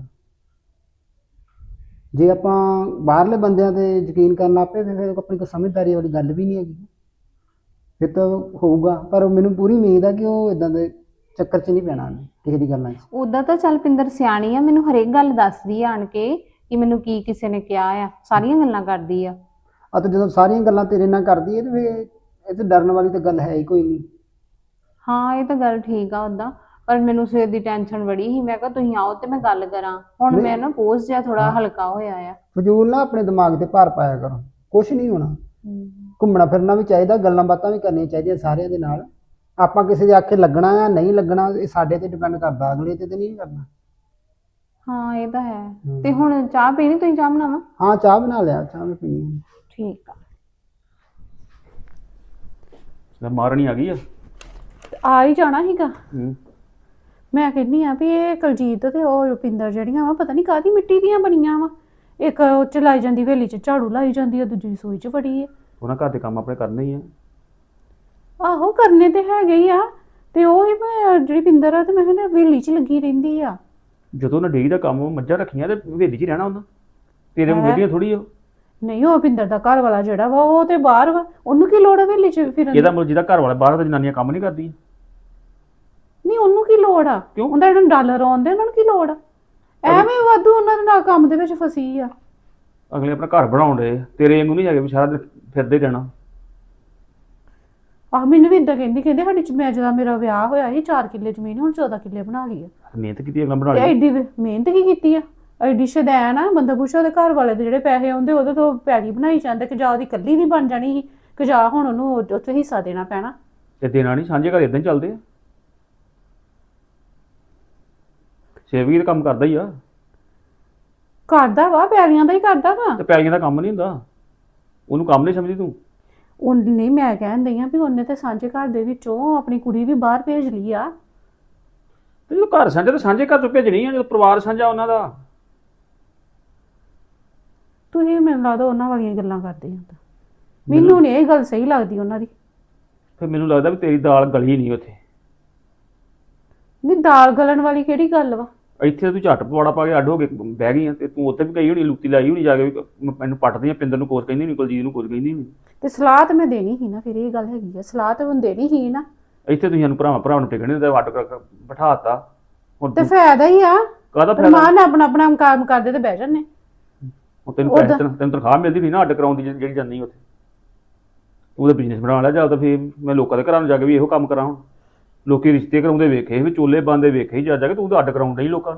E: ਜੇ ਆਪਾਂ ਬਾਹਰਲੇ ਬੰਦਿਆਂ ਤੇ ਯਕੀਨ ਕਰਨ ਲੱਗ ਪਏ ਤੇ ਫਿਰ ਆਪਣੀ ਕੋਈ ਸਮਝਦਾਰੀ ਵਾਲੀ ਗੱਲ ਵੀ ਨਹੀਂ ਹੈਗੀ। ਫਿਰ ਤਾਂ ਹੋਊਗਾ, ਪਰ ਮੈਨੂੰ ਪੂਰੀ ਉਮੀਦ ਆ ਕਿ ਉਹ ਇਦਾਂ ਦੇ ਚੱਕਰ 'ਚ ਨਹੀਂ ਪੈਣਾ ਉਹਨੇ, ਕਿਸੇ ਦੀ ਗੱਲਾਂ 'ਚ।
B: ਉਦਾਂ ਤਾਂ ਚੱਲ ਪਿੰਦਰ ਸਿਆਣੀ ਆ, ਮੈਨੂੰ ਹਰੇਕ ਗੱਲ ਦੱਸਦੀ ਆ ਆਣ ਕੇ ਕਿ ਮੈਨੂੰ ਕੀ ਕਿਸੇ ਨੇ ਕਿਹਾ ਆ, ਸਾਰੀਆਂ ਗੱਲਾਂ ਕਰਦੀ ਆ।
E: ਆ ਤੇ ਜਦੋਂ ਸਾਰੀਆਂ ਗੱਲਾਂ ਤੇਰੇ ਨਾਲ ਕਰਦੀ ਹੈ ਤੇ ਫਿਰ ਇਹ ਤੇ ਡਰਨ ਵਾਲੀ ਤਾਂ ਗੱਲ ਹੈ ਹੀ ਕੋਈ ਨਹੀਂ।
B: ਹਾਂ ਇਹ ਤਾਂ ਗੱਲ ਠੀਕ ਆ ਉਦਾਂ, ਪਰ ਮੈਨੂੰ ਸਵੇਰ ਦੀ ਟੈਨਸ਼ਨ ਬੜੀ ਸੀ। ਮੈਂ ਕਿਹਾ ਤੁਸੀਂ ਆਓ ਤੇ ਮੈਂ ਗੱਲ ਕਰਾਂ। ਹੁਣ ਮੈਂ ਨਾ ਬੋਝ ਜਿਹਾ ਥੋੜਾ ਹਲਕਾ ਹੋਇਆ ਆ।
E: ਫਜ਼ੂਲ ਨਾ ਆਪਣੇ ਦਿਮਾਗ ਤੇ ਭਾਰ ਪਾਇਆ ਕਰੋ, ਕੁਛ ਨਹੀਂ ਹੋਣਾ। ਘੁੰਮਣਾ ਫਿਰਨਾ ਵੀ ਚਾਹੀਦਾ, ਗੱਲਾਂ ਬਾਤਾਂ ਵੀ ਕਰਨੀਆਂ ਚਾਹੀਦੀਆਂ ਸਾਰਿਆਂ ਦੇ ਨਾਲ। ਆਪਾਂ ਕਿਸੇ ਦੇ ਆਖੇ ਲੱਗਣਾ ਆ ਨਹੀਂ ਲੱਗਣਾ, ਇਹ ਸਾਡੇ ਤੇ ਡਿਪੈਂਡ ਕਰਦਾ, ਅਗਲੇ ਤੇ ਤੇ ਨਹੀਂ ਕਰਨਾ।
B: ਹਾਂ ਇਹ ਤਾਂ ਹੈ। ਤੇ ਹੁਣ ਚਾਹ ਪੀਣੀ? ਤੁਸੀਂ ਚਾਹ ਬਣਾਵਾਂ?
E: ਹਾਂ ਚਾਹ ਬਣਾ ਲਿਆ, ਚਾਹ ਮੈਂ ਪੀਣੀ ਹੈ।
B: ਠੀਕ ਆ।
F: ਮਾਰਣੀ ਆ ਗਈ ਆ।
A: ਆ ਹੀ ਜਾਣਾ ਸੀਗਾ।
F: ਹੂੰ।
A: ਮੈਂ ਕਹਿੰਦੀ ਆ ਵੀ ਇਹ ਕੁਲਜੀਤ ਤੇ ਉਹ ਰੁਪਿੰਦਰ ਜਿਹੜੀਆਂ ਵਾ ਪਤਾ ਨਹੀਂ ਕਾਹਦੀ ਮਿੱਟੀ ਦੀਆਂ ਬਣੀਆਂ ਵਾ। ਇੱਕ ਉਹ ਚ ਲਾਈ ਜਾਂਦੀ ਹਵੇਲੀ ਚ ਝਾੜੂ ਲਾਈ ਜਾਂਦੀ ਆ, ਦੂਜੀ ਰਸੋਈ ਚ ਵੜੀ ਆ।
F: ਉਹਨਾਂ ਘਰ ਦੇ ਕੰਮ ਆਪਣੇ ਕਰਨੇ ਹੀ ਆ।
A: ਆਹੋ ਕਰਨੇ ਤੇ ਹੈਗੇ ਹੀ ਆ। ਤੇ ਉਹ ਹੀ ਮੈਂ ਜਿਹੜੀ ਪਿੰਦਰ ਆ ਤੇ ਮੈਂ ਕਹਿੰਦਾ ਹਵੇਲੀ ਚ ਲੱਗੀ ਰਹਿੰਦੀ ਆ।
F: ਜਦੋਂ ਉਹਨਾਂ ਡੇਰੀ ਦਾ ਕੰਮ ਮੱਝਾਂ ਰੱਖੀਆਂ ਤੇ ਹਵੇਲੀ 'ਚ ਹੀ ਰਹਿਣਾ ਉਹਨਾਂ। ਤੇਰੇ ਮੁੰਡੇ ਥੋੜੀ ਉਹ।
A: ਨਹੀਂ ਉਹ ਪਿੰਦਰ ਦਾ ਘਰ ਵਾਲਾ ਜਿਹੜਾ ਵਾ ਉਹ ਤੇ ਬਾਹਰ ਵਾ, ਉਹਨੂੰ ਕੀ ਲੋੜ ਆ ਹਵੇਲੀ ਚ ਫਿਰਨ ਦੀ?
F: ਇਹਦਾ ਮਤਲਬ ਜਿਹਦਾ ਘਰ ਵਾਲਾ ਬਾਹਰ ਤਾਂ ਜਨਾਨੀਆਂ ਕੰਮ ਨਹੀਂ ਕਰਦੀਆਂ।
A: ਨਹੀਂ ਉਹਨੂੰ ਕੀ ਲੋੜ ਆ?
F: ਕਿਉਂ?
A: ਉਹਦਾ ਜਿਹੜਾ ਡਾਲਰ ਆਉਂਦੇ ਉਹਨਾਂ ਨੂੰ ਕੀ ਲੋੜ ਆ? ਐਵੇਂ ਵਾਧੂ ਉਹਨਾਂ ਦੇ ਨਾਲ ਕੰਮ ਦੇ ਵਿੱਚ ਫਸੀ ਆ।
F: ਅਗਲੇ ਆਪਣਾ ਘਰ ਬਣਾਉਣ ਦੇ, ਤੇਰੇ ਵਾਂਗੂ ਨਹੀਂ ਹੈਗੇ ਵੀ ਸਾਰਾ ਦਿਨ ਫਿਰਦੇ ਰਹਿਣਾ।
A: ਆਹ ਮੈਨੂੰ ਵੀ ਇਦਾਂ ਕਹਿੰਦੀ, ਕਹਿੰਦੇ ਸਾਡੀ ਚ ਮੈਂ ਜਦੋਂ ਮੇਰਾ ਵਿਆਹ ਹੋਇਆ ਸੀ ਚਾਰ ਕਿੱਲੇ ਜ਼ਮੀਨ, ਹੁਣ ਚੌਦਾਂ ਕਿੱਲੇ ਬਣਾ ਲਈ ਆ।
F: ਮਿਹਨਤ ਕੀਤੀ ਅਗਲਾ ਬਣਾ
A: ਤੇ
F: ਲਈ।
A: ਐਡੀ ਵੀ ਮਿਹਨਤ ਕੀ ਕੀਤੀ ਆ? ਐਡੀ ਸ਼ਦੈਨ ਆ। ਬੰਦਾ ਪੁੱਛੋ ਉਹਦੇ ਘਰ ਵਾਲੇ ਦੇ ਜਿਹੜੇ ਪੈਸੇ ਆਉਂਦੇ ਉਹਦੇ ਤੋਂ ਪੈਲੀ ਬਣਾਈ ਜਾਂਦੇ, ਕਿ ਜਾਂ ਉਹਦੀ ਇਕੱਲੀ ਨਹੀਂ ਬਣ ਜਾਣੀ ਸੀ, ਕਿ ਜਾਂ ਹੁਣ ਉਹਨੂੰ ਉੱਥੇ ਹਿੱਸਾ ਦੇਣਾ ਪੈਣਾ।
F: ਤੇ ਦੇਣਾ ਨਹੀਂ, ਸਾਂਝੇ ਘਰ ਇਦਾਂ ਹੀ ਚੱਲਦੇ ਆ। ਸੇਵੀ ਦਾ ਕੰਮ ਕਰਦਾ ਹੀ ਆ।
A: ਕਰਦਾ ਵਾ, ਪੈਲੀਆਂ ਦਾ ਹੀ ਕਰਦਾ ਵਾ।
F: ਤੇ ਪੈਲੀਆਂ ਦਾ ਕੰਮ ਨਹੀਂ ਹੁੰਦਾ, ਉਹਨੂੰ ਕੰਮ ਨਹੀਂ ਸਮਝਦੀ ਤੂੰ।
A: ਉਹ ਨਹੀਂ, ਮੈਂ ਕਹਿਣ ਦਈ ਆ ਵੀ ਉਹਨੇ ਤੇ ਸਾਂਝੇ ਘਰ ਦੇ ਵਿੱਚੋਂ ਆਪਣੀ ਕੁੜੀ ਵੀ ਬਾਹਰ ਭੇਜ ਲਈ ਆ।
F: ਤੇ ਜਦੋਂ ਘਰ ਸਾਂਝਾ ਤਾਂ ਸਾਂਝੇ ਘਰ ਤੋਂ ਭੇਜਣੀ ਆ, ਜਦੋਂ ਪਰਿਵਾਰ ਸਾਂਝਾ ਉਹਨਾਂ ਦਾ।
A: ਤੁਸੀਂ ਮੈਨੂੰ ਲੱਗਦਾ ਉਹਨਾਂ ਵਾਲੀਆਂ ਗੱਲਾਂ ਕਰਦੇ ਹੋ ਤਾਂ। ਮੈਨੂੰ ਨਹੀਂ ਇਹ ਗੱਲ ਸਹੀ ਲੱਗਦੀ ਉਹਨਾਂ ਦੀ।
F: ਫਿਰ ਮੈਨੂੰ ਲੱਗਦਾ ਵੀ ਤੇਰੀ ਦਾਲ ਗਲੀ ਨਹੀਂ ਉੱਥੇ।
A: ਨਹੀਂ ਦਾਲ ਗਲਣ ਵਾਲੀ ਕਿਹੜੀ ਗੱਲ ਵਾ?
F: ਇੱਥੇ ਤੂੰ ਝੱਟ ਪਵਾੜਾ ਪਾ ਕੇ ਅੱਡ ਹੋ ਕੇ ਬਹਿ ਗਈ ਆ, ਤੇ ਤੂੰ ਉੱਥੇ ਵੀ ਗਈ ਹੋਣੀ, ਲੁੱਤੀ ਲਾਈ ਹੋਣੀ ਜਾ ਕੇ ਵੀ ਮੈਨੂੰ ਪੱਟਦੀ ਆ, ਪਿੰਦਰ ਨੂੰ ਕੁਛ ਕਹਿੰਦੀ ਨਹੀਂ, ਕੁਲਜੀਤ ਨੂੰ ਕੁਛ ਕਹਿੰਦੀ ਨਹੀਂ।
A: ਤੇ ਸਲਾਹ ਤੇ ਮੈਂ ਦੇਣੀ ਸੀ ਨਾ, ਫਿਰ ਇਹ ਗੱਲ ਹੈਗੀ ਆ, ਸਲਾਹ ਤੇ ਹੁਣ ਦੇਣੀ ਸੀ ਨਾ।
F: ਇੱਥੇ ਤੁਸੀਂ ਸਾਨੂੰ ਭਰਾਵਾਂ ਭਰਾਵਾਂ ਨੂੰ ਟਿਕਣੇ ਹੁੰਦੇ, ਅੱਡ ਕਰ ਬਿਠਾਤਾ। ਹੁਣ
A: ਤੇ ਫਾਇਦਾ ਹੀ ਆ,
F: ਕਾਹਦਾ ਫਾਇਦਾ?
A: ਰਮਾਨ ਆਪਣਾ ਆਪਣਾ ਕੰਮ ਕਰਦੇ ਤੇ ਬਹਿ ਜਾਂਦੇ।
F: ਹੁਣ ਤੈਨੂੰ ਪੈਸੇ ਤੈਨੂੰ ਤੈਨੂੰ ਤਨਖਾਹ ਮਿਲਦੀ ਨਹੀਂ ਨਾ ਅੱਡ ਕਰਾਉਣ ਦੀ ਜਿਹੜੀ ਜਾਂਦੀ ਉੱਥੇ। ਤੂੰ ਉਹਦਾ ਬਿਜ਼ਨਸ ਬਣਾ ਲਿਆ ਜਾਂ ਤਾਂ ਫਿਰ ਮੈਂ ਲੋਕਾਂ ਦੇ ਘਰਾਂ ਨੂੰ ਜਾ ਕੇ ਵੀ ਇਹੋ ਕੰਮ ਕਰਾਂ। ਹੁਣ ਲੋਕੀ ਰਿਸ਼ਤੇ ਕਰਾਉਂਦੇ ਵੇਖੇ ਵੀ, ਚੋਲੇ ਬੰਦੇ ਵੇਖੇ ਜਾ ਜਾ ਕੇ, ਤੂੰ ਤਾਂ ਅੱਡ ਕਰਾਉਣ ਡਈ ਲੋਕਾਂ ਨੂੰ।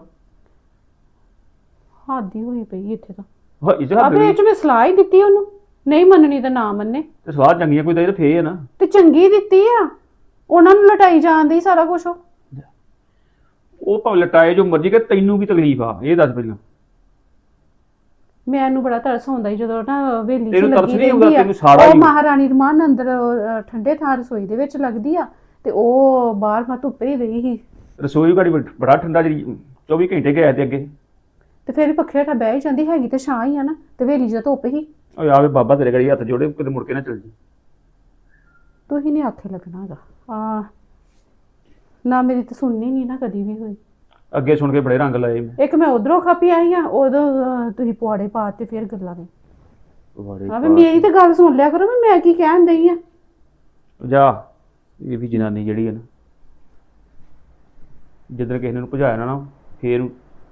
A: ਹੱਦ ਹੀ ਹੋਈ ਪਈ ਇੱਥੇ ਤਾਂ।
F: ਹਾਂ ਇਹ ਚ
A: ਆਪਣੇ ਚ ਮੈਂ ਸਲਾਹ ਹੀ ਦਿੱਤੀ ਉਹਨੂੰ, ਨਹੀਂ ਮੰਨਣੀ ਤਾਂ ਨਾ ਮੰਨੇ।
F: ਤੇ ਸਵਾਹ ਚੰਗੀਆਂ ਕੋਈ ਤਾਂ ਇਹ ਫੇਰ ਹੈ ਨਾ।
A: ਤੇ ਚੰਗੀ ਦਿੱਤੀ ਆ, ਉਹਨਾਂ ਨੂੰ ਲਟਾਈ ਜਾਂਦੀ ਸਾਰਾ ਕੁਝ। ਉਹ
F: ਉਹ ਭਾਵੇਂ ਲਟਾਏ ਜੋ ਮਰਜ਼ੀ, ਕਿ ਤੈਨੂੰ ਕੀ ਤਕਲੀਫ ਆ ਇਹ ਦੱਸ ਪਹਿਲਾਂ।
B: ਮੈਨੂੰ ਬੜਾ ਤਰਸ ਆਉਂਦਾ ਸੀ ਜਦੋਂ ਨਾ ਵੇਲੀ ਚ
F: ਤੈਨੂੰ ਤਰਸ
B: ਲੱਗੀ
F: ਨਹੀਂ ਆਉਂਦਾ?
B: ਰਹਿੰਦੀ ਆ
F: ਤੈਨੂੰ ਸਾਰਾ
B: ਉਹ
F: ਹੀ-
B: ਮਹਾਰਾਣੀ ਰਮਾਨ ਅੰਦਰ ਅਹ, ਠੰਡੇ ਥਾਂ ਰਸੋਈ ਦੇ ਵਿੱਚ ਲੱਗਦੀ ਆ ਤੇ ਉਹ ਬਾਹਰ ਮੈਂ ਧੁੱਪੇ ਹੀ ਰਹੀ ਸੀ
F: ਰਸੋਈ ਘੜੀ ਬੜਾ ਠੰਡਾ, ਜਿਹੜੀ ਚੌਵੀ ਘੰਟੇ ਗਏ ਤੇ ਅੱਗੇ।
B: ਤੇ ਫਿਰ ਪੱਖੇ ਹੇਠਾਂ ਬਹਿ ਹੀ ਜਾਂਦੀ ਹੈਗੀ ਤੇ ਛਾਂ ਹੀ ਆ ਨਾ, ਤੇ ਵੇਲੀ ਚ ਧੁੱਪ ਹੀ।
F: ਓਏ ਆਵੇ ਬਾਬਾ ਤੇਰੇ ਘੜੀ ਹੱਥ ਜੋੜੇ, ਕਿਤੇ ਮੁੜ ਕੇ ਨਾ ਚੱਲ ਜੀ।
B: ਤੁਸੀਂ ਨਹੀਂ ਆਖੇ ਲੱਗਣਾ ਹੈਗਾ ਆ ਨਾ, ਮੇਰੀ ਤਾਂ ਸੁਣਨੀ ਨਹੀਂ ਨਾ ਕਦੀ ਵੀ ਹੋਈ।
F: ਅੱਗੇ ਸੁਣ ਕੇ ਬੜੇ ਰੰਗ ਲਾਏ ਮੈਂ।
B: ਇੱਕ ਮੈਂ ਉਧਰੋਂ ਖਾਪੀ ਆਈ ਆ, ਉਦੋਂ ਅਹ, ਤੁਸੀਂ ਪੁਆੜੇ ਪਾ ਤੇ ਫਿਰ ਗੱਲਾਂ ਨੇ
F: ਬੜੇ
B: ਆ ਵੀ ਮੇਰੀ ਤਾਂ ਗੱਲ ਸੁਣ ਲਿਆ ਕਰੋ ਵੀ ਮੈਂ ਕੀ ਕਹਿਣ ਦਈ ਆ।
F: ਜਾ, ਇਹ ਵੀ ਜਨਾਨੀ ਜਿਹੜੀ ਹੈ ਨਾ, ਜਿੱਦਣ ਕਿਸੇ ਨੂੰ ਭਜਾਇਆ ਨਾ ਨਾ ਫੇਰ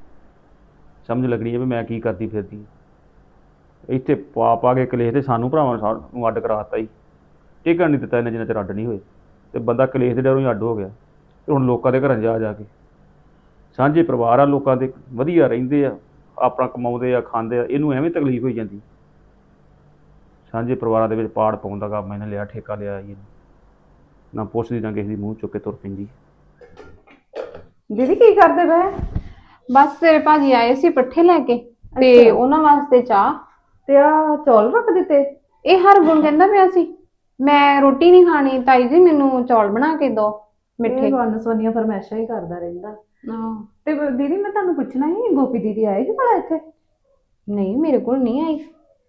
F: ਸਮਝ ਲੱਗਣੀ ਹੈ ਵੀ ਮੈਂ ਕੀ ਕਰਦੀ ਫਿਰਦੀ। ਇੱਥੇ ਪਾ ਪਾ ਕੇ ਕਲੇਸ਼ ਤੇ ਸਾਨੂੰ ਭਰਾਵਾਂ ਨੂੰ ਅੱਡ ਕਰਾਤਾ ਹੀ, ਟਿਕਣ ਨਹੀਂ ਦਿੱਤਾ ਇਹਨਾਂ ਜਿੰਨਾ ਚਿਰ ਅੱਡ ਨਹੀਂ ਹੋਏ। ਤੇ ਬੰਦਾ ਕਲੇਸ਼ ਦੇ ਡਰੋਂ ਹੀ ਅੱਡ ਹੋ ਗਿਆ। ਤੇ ਹੁਣ ਲੋਕਾਂ ਦੇ ਘਰਾਂ ਜਾ ਜਾ ਕੇ ਸਾਂਝੇ ਪਰਿਵਾਰ ਆ, ਲੋਕਾਂ ਦੇ ਵਧੀਆ ਰਹਿੰਦੇ ਆ, ਆਪਣਾ ਕਮਾਉਂਦੇ ਆ, ਖਾਂਦੇ ਆ, ਇਹਨੂੰ ਐਵੇਂ ਤਕਲੀਫ ਹੋਈ ਜਾਂਦੀ। ਸਾਂਝੇ ਪਰਿਵਾਰਾਂ ਦੇ ਵਿੱਚ ਪਾੜ ਪਾਉਣ ਦਾ ਕੰਮ ਇਹਨੇ ਲਿਆ, ਠੇਕਾ ਲਿਆ ਜੀ, ਨਾ ਪੁੱਛਦੀ ਨਾ ਕਿਸੇ ਦੀ ਮੂੰਹ ਚੁੱਕ ਕੇ ਤੁਰ ਪੈਂਦੀ।
A: ਦੀਦੀ ਕੀ ਕਰਦੇ ਪਏ?
B: ਬਸ ਤੇਰੇ ਭਾਜੀ ਆਏ ਸੀ ਪੱਠੇ ਲੈ ਕੇ ਤੇ ਉਹਨਾਂ ਵਾਸਤੇ ਚਾਹ
A: ਤੇ ਆ ਚੌਲ ਰੱਖ ਦਿੱਤੇ?
B: ਇਹ ਹਰਗੁਣ ਕਹਿੰਦਾ ਪਿਆ ਸੀ ਮੈਂ ਰੋਟੀ ਨਹੀਂ ਖਾਣੀ ਤਾਈ ਜੀ, ਮੈਨੂੰ ਚੌਲ ਬਣਾ ਕੇ ਦਿਓ ਮਿੱਠੇ।
A: ਇਹ ਵਨ ਸੋਨੀਆ ਫਰਮੈਸ਼ਾਂ ਹੀ ਕਰਦਾ ਰਹਿੰਦਾ।
B: ਆਹ,
A: ਤੇ ਦੀਦੀ ਮੈਂ ਤੁਹਾਨੂੰ ਪੁੱਛਣਾ ਸੀ, ਗੋਪੀ ਦੀਦੀ ਆਏ ਸੀ ਭਲਾ ਇੱਥੇ?
B: ਨਹੀਂ ਮੇਰੇ ਕੋਲ ਨਹੀਂ ਆਈ।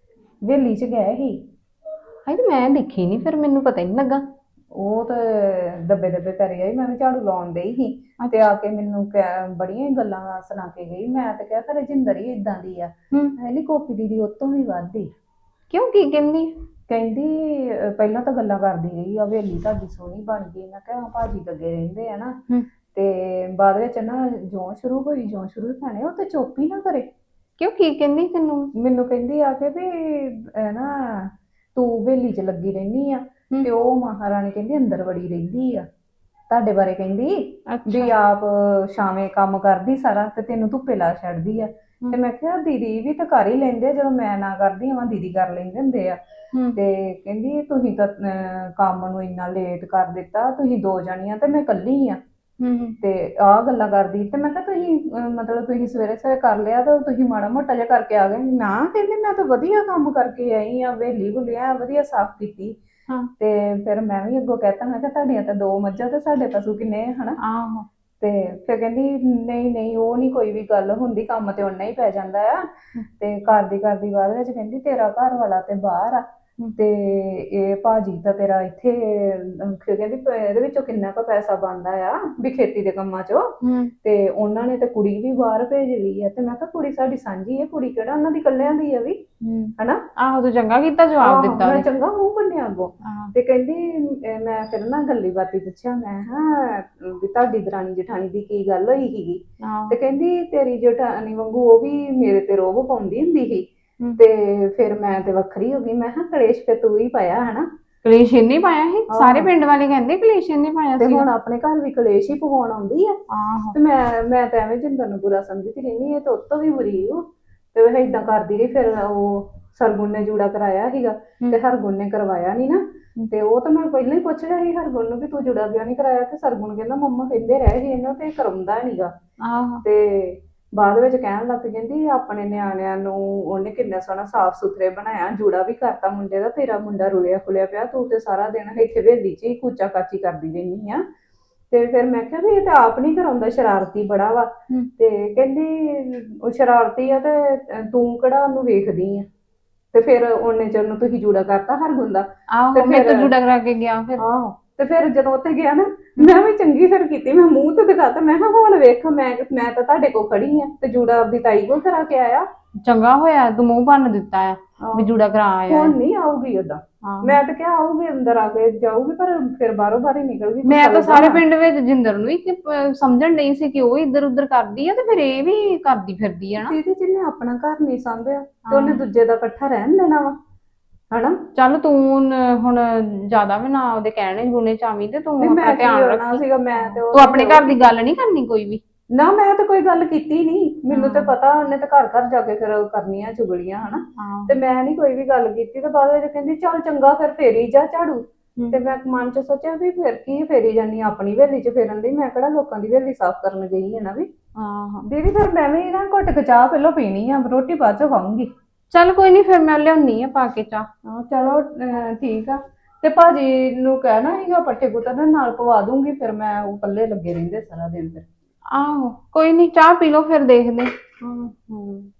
A: ਵੇਲੀ ਚ ਗਏ ਸੀ।
B: ਹਾਏ ਤੇ ਮੈਂ ਦੇਖੀ ਨਹੀਂ, ਫਿਰ ਮੈਨੂੰ ਪਤਾ ਹੀ ਨਹੀਂ ਲੱਗਾ।
A: ਉਹ ਤੇ ਦੱਬੇ ਦੱਬੇ ਕਰੀ ਆਈ, ਮੈਂ ਵੀ ਝਾੜੂ ਲਾਉਣ ਡਈ ਸੀ ਤੇ ਆ ਕੇ ਮੈਨੂੰ ਕਹਿ- ਬੜੀਆਂ ਹੀ ਗੱਲਾਂ ਸੁਣਾ ਕੇ ਗਈ। ਮੈਂ ਤੇ ਕਿਹਾ ਘਰੇ ਜਿੰਦਰ ਹੀ ਇਦਾਂ ਦੀ ਆ।
B: ਹੂੰ,
A: ਹੈ ਨੀ ਗੋਪੀ ਦੀਦੀ ਉਹ ਤੋਂ ਵੀ ਵੱਧਦੀ।
B: ਕਿਉਂ ਕੀ ਕਹਿੰਦੀ?
A: ਕਹਿੰਦੀ ਅਹ ਪਹਿਲਾਂ ਤਾਂ ਗੱਲਾਂ ਕਰਦੀ ਰਹੀ ਆ, ਹਵੇਲੀ ਤੁਹਾਡੀ ਸੋਹਣੀ ਬਣ ਗਈ। ਮੈਂ ਕਿਹਾ ਭਾਜੀ ਲੱਗੇ ਰਹਿੰਦੇ ਆ ਨਾ।
B: ਹੂੰ।
A: ਤੇ ਬਾਅਦ ਵਿੱਚ ਨਾ ਜਿਉਂ ਸ਼ੁਰੂ ਹੋਈ ਜਿਉਂ ਸ਼ੁਰੂ ਭੈਣੇ ਉਹ ਤੇ ਚੁੱਪ ਹੀ ਨਾ ਕਰੇ।
B: ਕਿਉਂ ਕੀ ਕਹਿੰਦੀ ਤੈਨੂੰ?
A: ਮੈਨੂੰ ਕਹਿੰਦੀ ਆ ਕੇ ਵੀ ਅਹ ਨਾ ਤੂੰ ਹਵੇਲੀ ਚ ਲੱਗੀ ਰਹਿੰਦੀ ਆ
B: ਹੂੰ।
A: ਤੇ ਉਹ ਮਹਾਰਾਣੀ ਕਹਿੰਦੀ ਅੰਦਰ ਵੜੀ ਰਹਿੰਦੀ ਆ। ਤੁਹਾਡੇ ਬਾਰੇ ਕਹਿੰਦੀ ਵੀ
B: ਅੱਛਾ।
A: ਆਪ ਸ਼ਾਮੇ ਕੰਮ ਕਰਦੀ ਸਾਰਾ ਤੇ ਤੈਨੂੰ ਧੁੱਪੇ ਲਾ ਛੱਡਦੀ ਆ। ਤੇ ਮੈਂ ਕਿਹਾ ਦੀਦੀ ਵੀ ਤਾਂ ਕਰ ਹੀ ਲੈਂਦੇ ਆ, ਜਦੋਂ ਮੈਂ ਨਾ ਕਰਦੀ ਹਾਂ ਦੀਦੀ ਕਰ ਲੈਂਦੇ ਹੁੰਦੇ ਆ।
B: ਹੂੰ।
A: ਤੇ ਕਹਿੰਦੀ ਤੁਸੀਂ ਤਾਂ ਅਹ, ਕੰਮ ਨੂੰ ਇੰਨਾ ਲੇਟ ਕਰ ਦਿੱਤਾ, ਤੁਸੀਂ ਦੋ ਜਣੀਆਂ ਤੇ ਮੈਂ ਇਕੱਲੀ ਆ।
B: ਹੂੰ।
A: ਤੇ ਆਹ ਗੱਲਾਂ ਕਰਦੀ। ਤੇ ਮੈਂ ਕਿਹਾ ਤੁਸੀਂ ਅਹ, ਮਤਲਬ ਤੁਸੀਂ ਸਵੇਰੇ ਸਵੇਰੇ ਕਰ ਲਿਆ ਤਾਂ ਤੁਸੀਂ ਮਾੜਾ ਮੋਟਾ ਜਿਹਾ ਕਰਕੇ ਆ ਗਏ ਨਾ? ਕਹਿੰਦੀ ਮੈਂ ਤਾਂ ਵਧੀਆ ਕੰਮ ਕਰਕੇ ਆਈ ਆ, ਵੇਲੀ ਭੁੱਲਿਆ ਵਧੀਆ ਸਾਫ਼ ਕੀਤੀ।
B: ਹਾਂ।
A: ਤੇ ਫਿਰ ਮੈਂ ਵੀ ਅੱਗੋਂ ਕਹਿਤਾ, ਮੈਂ ਕਿਹਾ ਤੁਹਾਡੀਆਂ ਤਾਂ ਦੋ ਮੱਝਾਂ ਤੇ ਸਾਡੇ ਪਸ਼ੂ ਕਿੰਨੇ ਆ ਹਨਾ।
B: ਆਹੋ।
A: ਤੇ ਫਿਰ ਕਹਿੰਦੀ ਨਹੀਂ ਨਹੀਂ ਉਹ ਨਹੀਂ ਕੋਈ ਵੀ ਗੱਲ ਹੁੰਦੀ, ਕੰਮ ਤੇ ਓਨਾ ਹੀ ਪੈ ਜਾਂਦਾ ਆ। ਤੇ ਕਰਦੀ ਕਰਦੀ ਬਾਅਦ ਵਿੱਚ ਕਹਿੰਦੀ ਤੇਰਾ ਘਰ ਵਾਲਾ ਤੇ ਬਾਹਰ ਆ ਤੇ ਇਹ ਭਾਜੀ ਤਾਂ ਤੇਰਾ ਇੱਥੇ ਅਹ, ਕਹਿੰਦੀ ਪ- ਇਹਦੇ ਵਿੱਚੋਂ ਕਿੰਨਾ ਕੁ ਪੈਸਾ ਬਣਦਾ ਆ ਵੀ ਖੇਤੀ ਦੇ ਕੰਮਾਂ ਚੋਂ।
B: ਹੂੰ।
A: ਤੇ ਉਹਨਾਂ ਨੇ ਤੇ ਕੁੜੀ ਵੀ ਬਾਹਰ ਭੇਜ ਲਈ ਆ। ਤੇ ਮੈਂ ਕਿਹਾ ਕੁੜੀ ਸਾਡੀ ਸਾਂਝੀ ਹੈ, ਕੁੜੀ ਕਿਹੜਾ ਉਹਨਾਂ ਦੀ ਇਕੱਲਿਆਂ ਦੀ ਆ ਵੀ
B: ਹੂੰ।
A: ਹਨਾ।
B: ਆਹੋ ਤੂੰ ਚੰਗਾ ਕੀਤਾ ਜਵਾਬ
A: ਆਹੋ,
B: ਦਿੱਤਾ
A: ਮੈਂ
B: ਉਹਨੇ।
A: ਚੰਗਾ ਮੂੰਹ ਬੰਨਿਆ ਅੱਗੋਂ।
B: ਹਾਂ।
A: ਤੇ ਕਹਿੰਦੀ ਅਹ ਮੈਂ ਫਿਰ ਨਾ ਗੱਲੀ ਬਾਤੀ ਪੁੱਛਿਆ, ਮੈਂ ਹਾਂ ਵੀ ਤੁਹਾਡੀ ਦਰਾਣੀ ਜਠਾਣੀ ਦੀ ਕੀ ਗੱਲ ਹੋਈ ਸੀਗੀ।
B: ਆਹੋ।
A: ਤੇ ਕਹਿੰਦੀ ਤੇਰੀ ਜਠਾਣੀ ਵਾਂਗੂ ਉਹ ਵੀ ਮੇਰੇ ਤੇ ਰੋਹਬ ਪਾਉਂਦੀ ਹੁੰਦੀ ਸੀ।
B: ਹੂੰ।
A: ਤੇ ਫਿਰ ਮੈਂ ਤੇ ਵੱਖਰੀ ਹੋ ਗਈ। ਮੈਂ ਕਿਹਾ ਕਲੇਸ਼ ਫਿਰ ਤੂੰ ਹੀ ਪਾਇਆ ਹਨਾ।
B: ਕਲੇਸ਼ ਨਹੀਂ ਪਾਇਆ ਸੀ, ਸਾਰੇ
A: ਆਹੋ।
B: ਪਿੰਡ ਵਾਲੇ ਕਹਿੰਦੇ ਕਲੇਸ਼ ਨਹੀਂ ਪਾਇਆ
A: ਤੇ
B: ਸੀ।
A: ਹੁਣ ਆਪਣੇ ਘਰ ਵੀ ਕਲੇਸ਼ ਹੀ ਪਵਾਉਣ ਆਉਂਦੀ ਆ।
B: ਆਹੋ।
A: ਤੇ ਮੈਂ ਮੈਂ ਤਾਂ ਐਵੇਂ ਜਿੰਦਰ ਨੂੰ ਬੁਰਾ ਸਮਝਦੀ ਰਹਿੰਦੀ ਹੈ ਤੇ ਉਹ ਤੋਂ ਵੀ ਬੁਰੀ ਉਹ। ਤੇ ਉਹ ਏਦਾਂ ਕਰਦੀ ਰਹੀ। ਫਿਰ ਉਹ ਸਰਗੁਣ ਨੇ ਜੂੜਾ ਕਰਾਇਆ ਸੀਗਾ ਤੇ ਹਰਗੁਣ ਨੇ ਕਰਵਾਇਆ ਨਹੀਂ ਨਾ। ਤੇ ਉਹ ਤਾਂ ਮੈਂ ਪਹਿਲਾਂ ਹੀ ਪੁੱਛ ਰਿਹਾ ਸੀ ਹਰਗੁਣ ਨੂੰ ਵੀ ਤੂੰ ਜੁੜਾ ਕਿਉਂ ਨਹੀਂ ਕਰਾਇਆ। ਤੇ ਸਰਗੁਣ ਕਹਿੰਦਾ ਮੰਮਾ ਕਹਿੰਦੇ ਰਹੇ ਸੀ ਇਹਨੂੰ ਤੇ ਕਰਾਉਂਦਾ ਨਹੀਂਗਾ।
B: ਆਹੋ।
A: ਤੇ ਬਾਅਦ ਵਿੱਚ ਕਹਿਣ ਲੱਗ ਪਈ ਕਹਿੰਦੀ ਆਪਣੇ ਨਿਆਣਿਆਂ ਨੂੰ ਉਹਨੇ ਕਿੰਨਾ ਸੋਹਣਾ ਸਾਫ਼ ਸੁਥਰੇ ਬਣਾਇਆ, ਜੂੜਾ ਵੀ ਕਰਤਾ ਮੁੰਡੇ ਦਾ, ਤੇਰਾ ਮੁੰਡਾ ਰੁਲਿਆ ਫੁਲਿਆ ਪਿਆ, ਤੂੰ ਤੇ ਸਾਰਾ ਦਿਨ ਇੱਥੇ ਹਵੇਲੀ 'ਚ ਹੀ ਕੂਚਾ ਕਾਚੀ ਕਰਦੀ ਰਹਿੰਦੀ ਆ। ਤੇ ਫਿਰ ਮੈਂ ਕਿਹਾ ਵੀ ਇਹ ਤਾਂ ਆਪ ਨਹੀਂ ਕਰਾਉਂਦਾ, ਸ਼ਰਾਰਤੀ ਬੜਾ ਵਾ। ਤੇ ਕਹਿੰਦੀ ਉਹ ਸ਼ਰਾਰਤੀ ਆ ਤੇ ਤੂੰ ਕਿਹੜਾ ਉਹਨੂੰ ਵੇਖਦੀ ਆ। ਤੇ ਫਿਰ ਉਹਨੇ ਚਿਰ ਨੂੰ ਤੁਸੀਂ ਜੂੜਾ ਕਰਤਾ ਹਰਗੁਣ ਦਾ।
B: ਆਹੋ
A: ਤੇ
B: ਮੈਂ ਤਾਂ
A: ਫਿਰ-
B: ਜੁੜਾ ਕਰਾ ਕੇ ਗਿਆ ਫਿਰ।
A: ਆਹੋ। ਤੇ ਫਿਰ ਜਦੋਂ ਉੱਥੇ ਗਿਆ ਨਾ ਮੈਂ ਵੀ ਚੰਗੀ ਫਿਰ ਕੀਤੀ, ਮੈਂ ਮੂੰਹ ਤੇ ਦਿਖਾਤਾ, ਮੈਂ ਕਿਹਾ ਹੁਣ ਵੇਖ ਮੈਂ ਮੈਂ ਤਾਂ ਤੁਹਾਡੇ ਕੋਲ ਖੜੀ ਆ ਤੇ ਜੂੜਾ ਆਪਦੀ ਤਾਈ ਕੋਲ ਕਰਾ ਕੇ ਆਇਆ।
B: ਚੰਗਾ ਹੋਇਆ ਤੂੰ ਮੂੰਹ ਬੰਨ ਦਿੱਤਾ ਆ ਵੀ ਜੂੜਾ ਕਰਾ ਆਇਆ।
A: ਹੁਣ ਨਹੀਂ ਆਊਗੀ ਓਦਾਂ।
B: ਆਹੋ।
A: ਮੈਂ ਤਾਂ ਕਿਹਾ ਆਊਗੀ ਅੰਦਰ ਆ ਕੇ ਜਾਊਗੀ, ਪਰ ਫਿਰ ਬਾਹਰੋਂ ਬਾਹਰ ਹੀ ਨਿਕਲ ਗਈ।
B: ਮੈਂ ਤਾਂ ਸਾਰੇ ਪਿੰਡ ਵਿੱਚ ਜਿੰਦਰ ਨੂੰ ਹੀ ਕਿ, ਅਹ, ਸਮਝਣ ਨਹੀਂ ਸੀ ਕਿ ਉਹ ਇੱਧਰ ਉੱਧਰ ਕਰਦੀ ਆ ਤੇ ਫਿਰ ਇਹ ਵੀ ਕਰਦੀ ਫਿਰਦੀ ਆ ਨਾ।
A: ਦੀਦੀ ਜਿਹਨੇ ਆਪਣਾ ਘਰ ਨਹੀਂ ਸੰਭਿਆ ਤੇ ਉਹਨੇ ਦੂਜੇ ਦਾ ਇਕੱਠਾ ਰਹਿਣ ਦੇਣਾ ਵਾ ਹਨਾ।
B: ਚੱਲ ਤੂੰ ਨ- ਹੁਣ ਜ਼ਿਆਦਾ ਵੀ ਨਾ ਉਹਦੇ ਕਹਿਣੇ ਗੁਣੇ ਚਾਵੀਂ ਤੇ ਤੂੰ
A: ਨਹੀਂ
B: ਆਪਣਾ
A: ਮੈਂ ਕੀ
B: ਧਿਆਨ ਰੱਖ।
A: ਹੋਣਾ ਸੀਗਾ, ਮੈਂ ਤੇ ਉਹ-
B: ਤੂੰ ਆਪਣੇ ਘਰ ਦੀ ਗੱਲ ਨਹੀਂ ਕਰਨੀ ਕੋਈ ਵੀ।
A: ਨਾ ਮੈਂ ਤਾਂ ਕੋਈ ਗੱਲ ਕੀਤੀ ਨਹੀਂ, ਮੈਨੂੰ ਤੇ ਪਤਾ ਉਹਨੇ ਤਾਂ ਘਰ ਘਰ ਜਾ ਕੇ ਫਿਰ ਕਰਨੀਆਂ ਚੁਗਲੀਆਂ ਹਨਾ। ਤੇ ਮੈਂ ਨਹੀਂ ਕੋਈ ਵੀ ਗੱਲ ਕੀਤੀ। ਤੇ ਬਾਅਦ ਵਿੱਚ ਕਹਿੰਦੀ ਚੱਲ ਚੰਗਾ ਫਿਰ ਫੇਰੀ ਜਾ ਝਾੜੂ। ਤੇ ਮੈਂ ਮਨ ਚ ਸੋਚਿਆ ਵੀ ਫਿਰ ਕੀ ਫੇਰੀ ਜਾਨੀ ਆਪਣੀ ਹਵੇਲੀ ਚ ਫੇਰਨ ਦੀ, ਮੈਂ ਕਿਹੜਾ ਲੋਕਾਂ ਦੀ ਹਵੇਲੀ ਸਾਫ਼ ਕਰਨ ਗਈ ਹੈ ਨਾ ਵੀ।
B: ਆਹੋ।
A: ਦੀਦੀ ਫਿਰ ਮੈਂ ਵੀ ਨਾ ਘੁੱਟ ਕੇ ਚਾਹ ਪਹਿਲਾਂ ਪੀਣੀ ਆ, ਰੋਟੀ ਬਾਅਦ ਚ ਖਾਊਂਗੀ।
B: ਚੱਲ ਕੋਈ ਨਹੀਂ, ਫਿਰ ਮੈਂ ਲਿਆਉਣੀ ਆ ਪਾ ਕੇ ਚਾਹ।
A: ਹਾਂ ਚਲੋ ਅਹ, ਠੀਕ ਆ। ਤੇ ਭਾਜੀ ਨੂੰ ਕਹਿਣਾ ਸੀਗਾ ਪੱਠੇ ਪੁੱਤਰ ਨਾਲ ਪਵਾ ਦੂੰਗੀ, ਫਿਰ ਮੈਂ ਉਹ ਇਕੱਲੇ ਲੱਗੇ ਰਹਿੰਦੇ ਸਾਰਾ ਦਿਨ ਫਿਰ।
B: ਆਹੋ ਕੋਈ ਨਹੀਂ, ਚਾਹ ਪੀ ਲਓ ਫਿਰ ਦੇਖਦੇ।
A: ਹਾਂ ਹਾਂ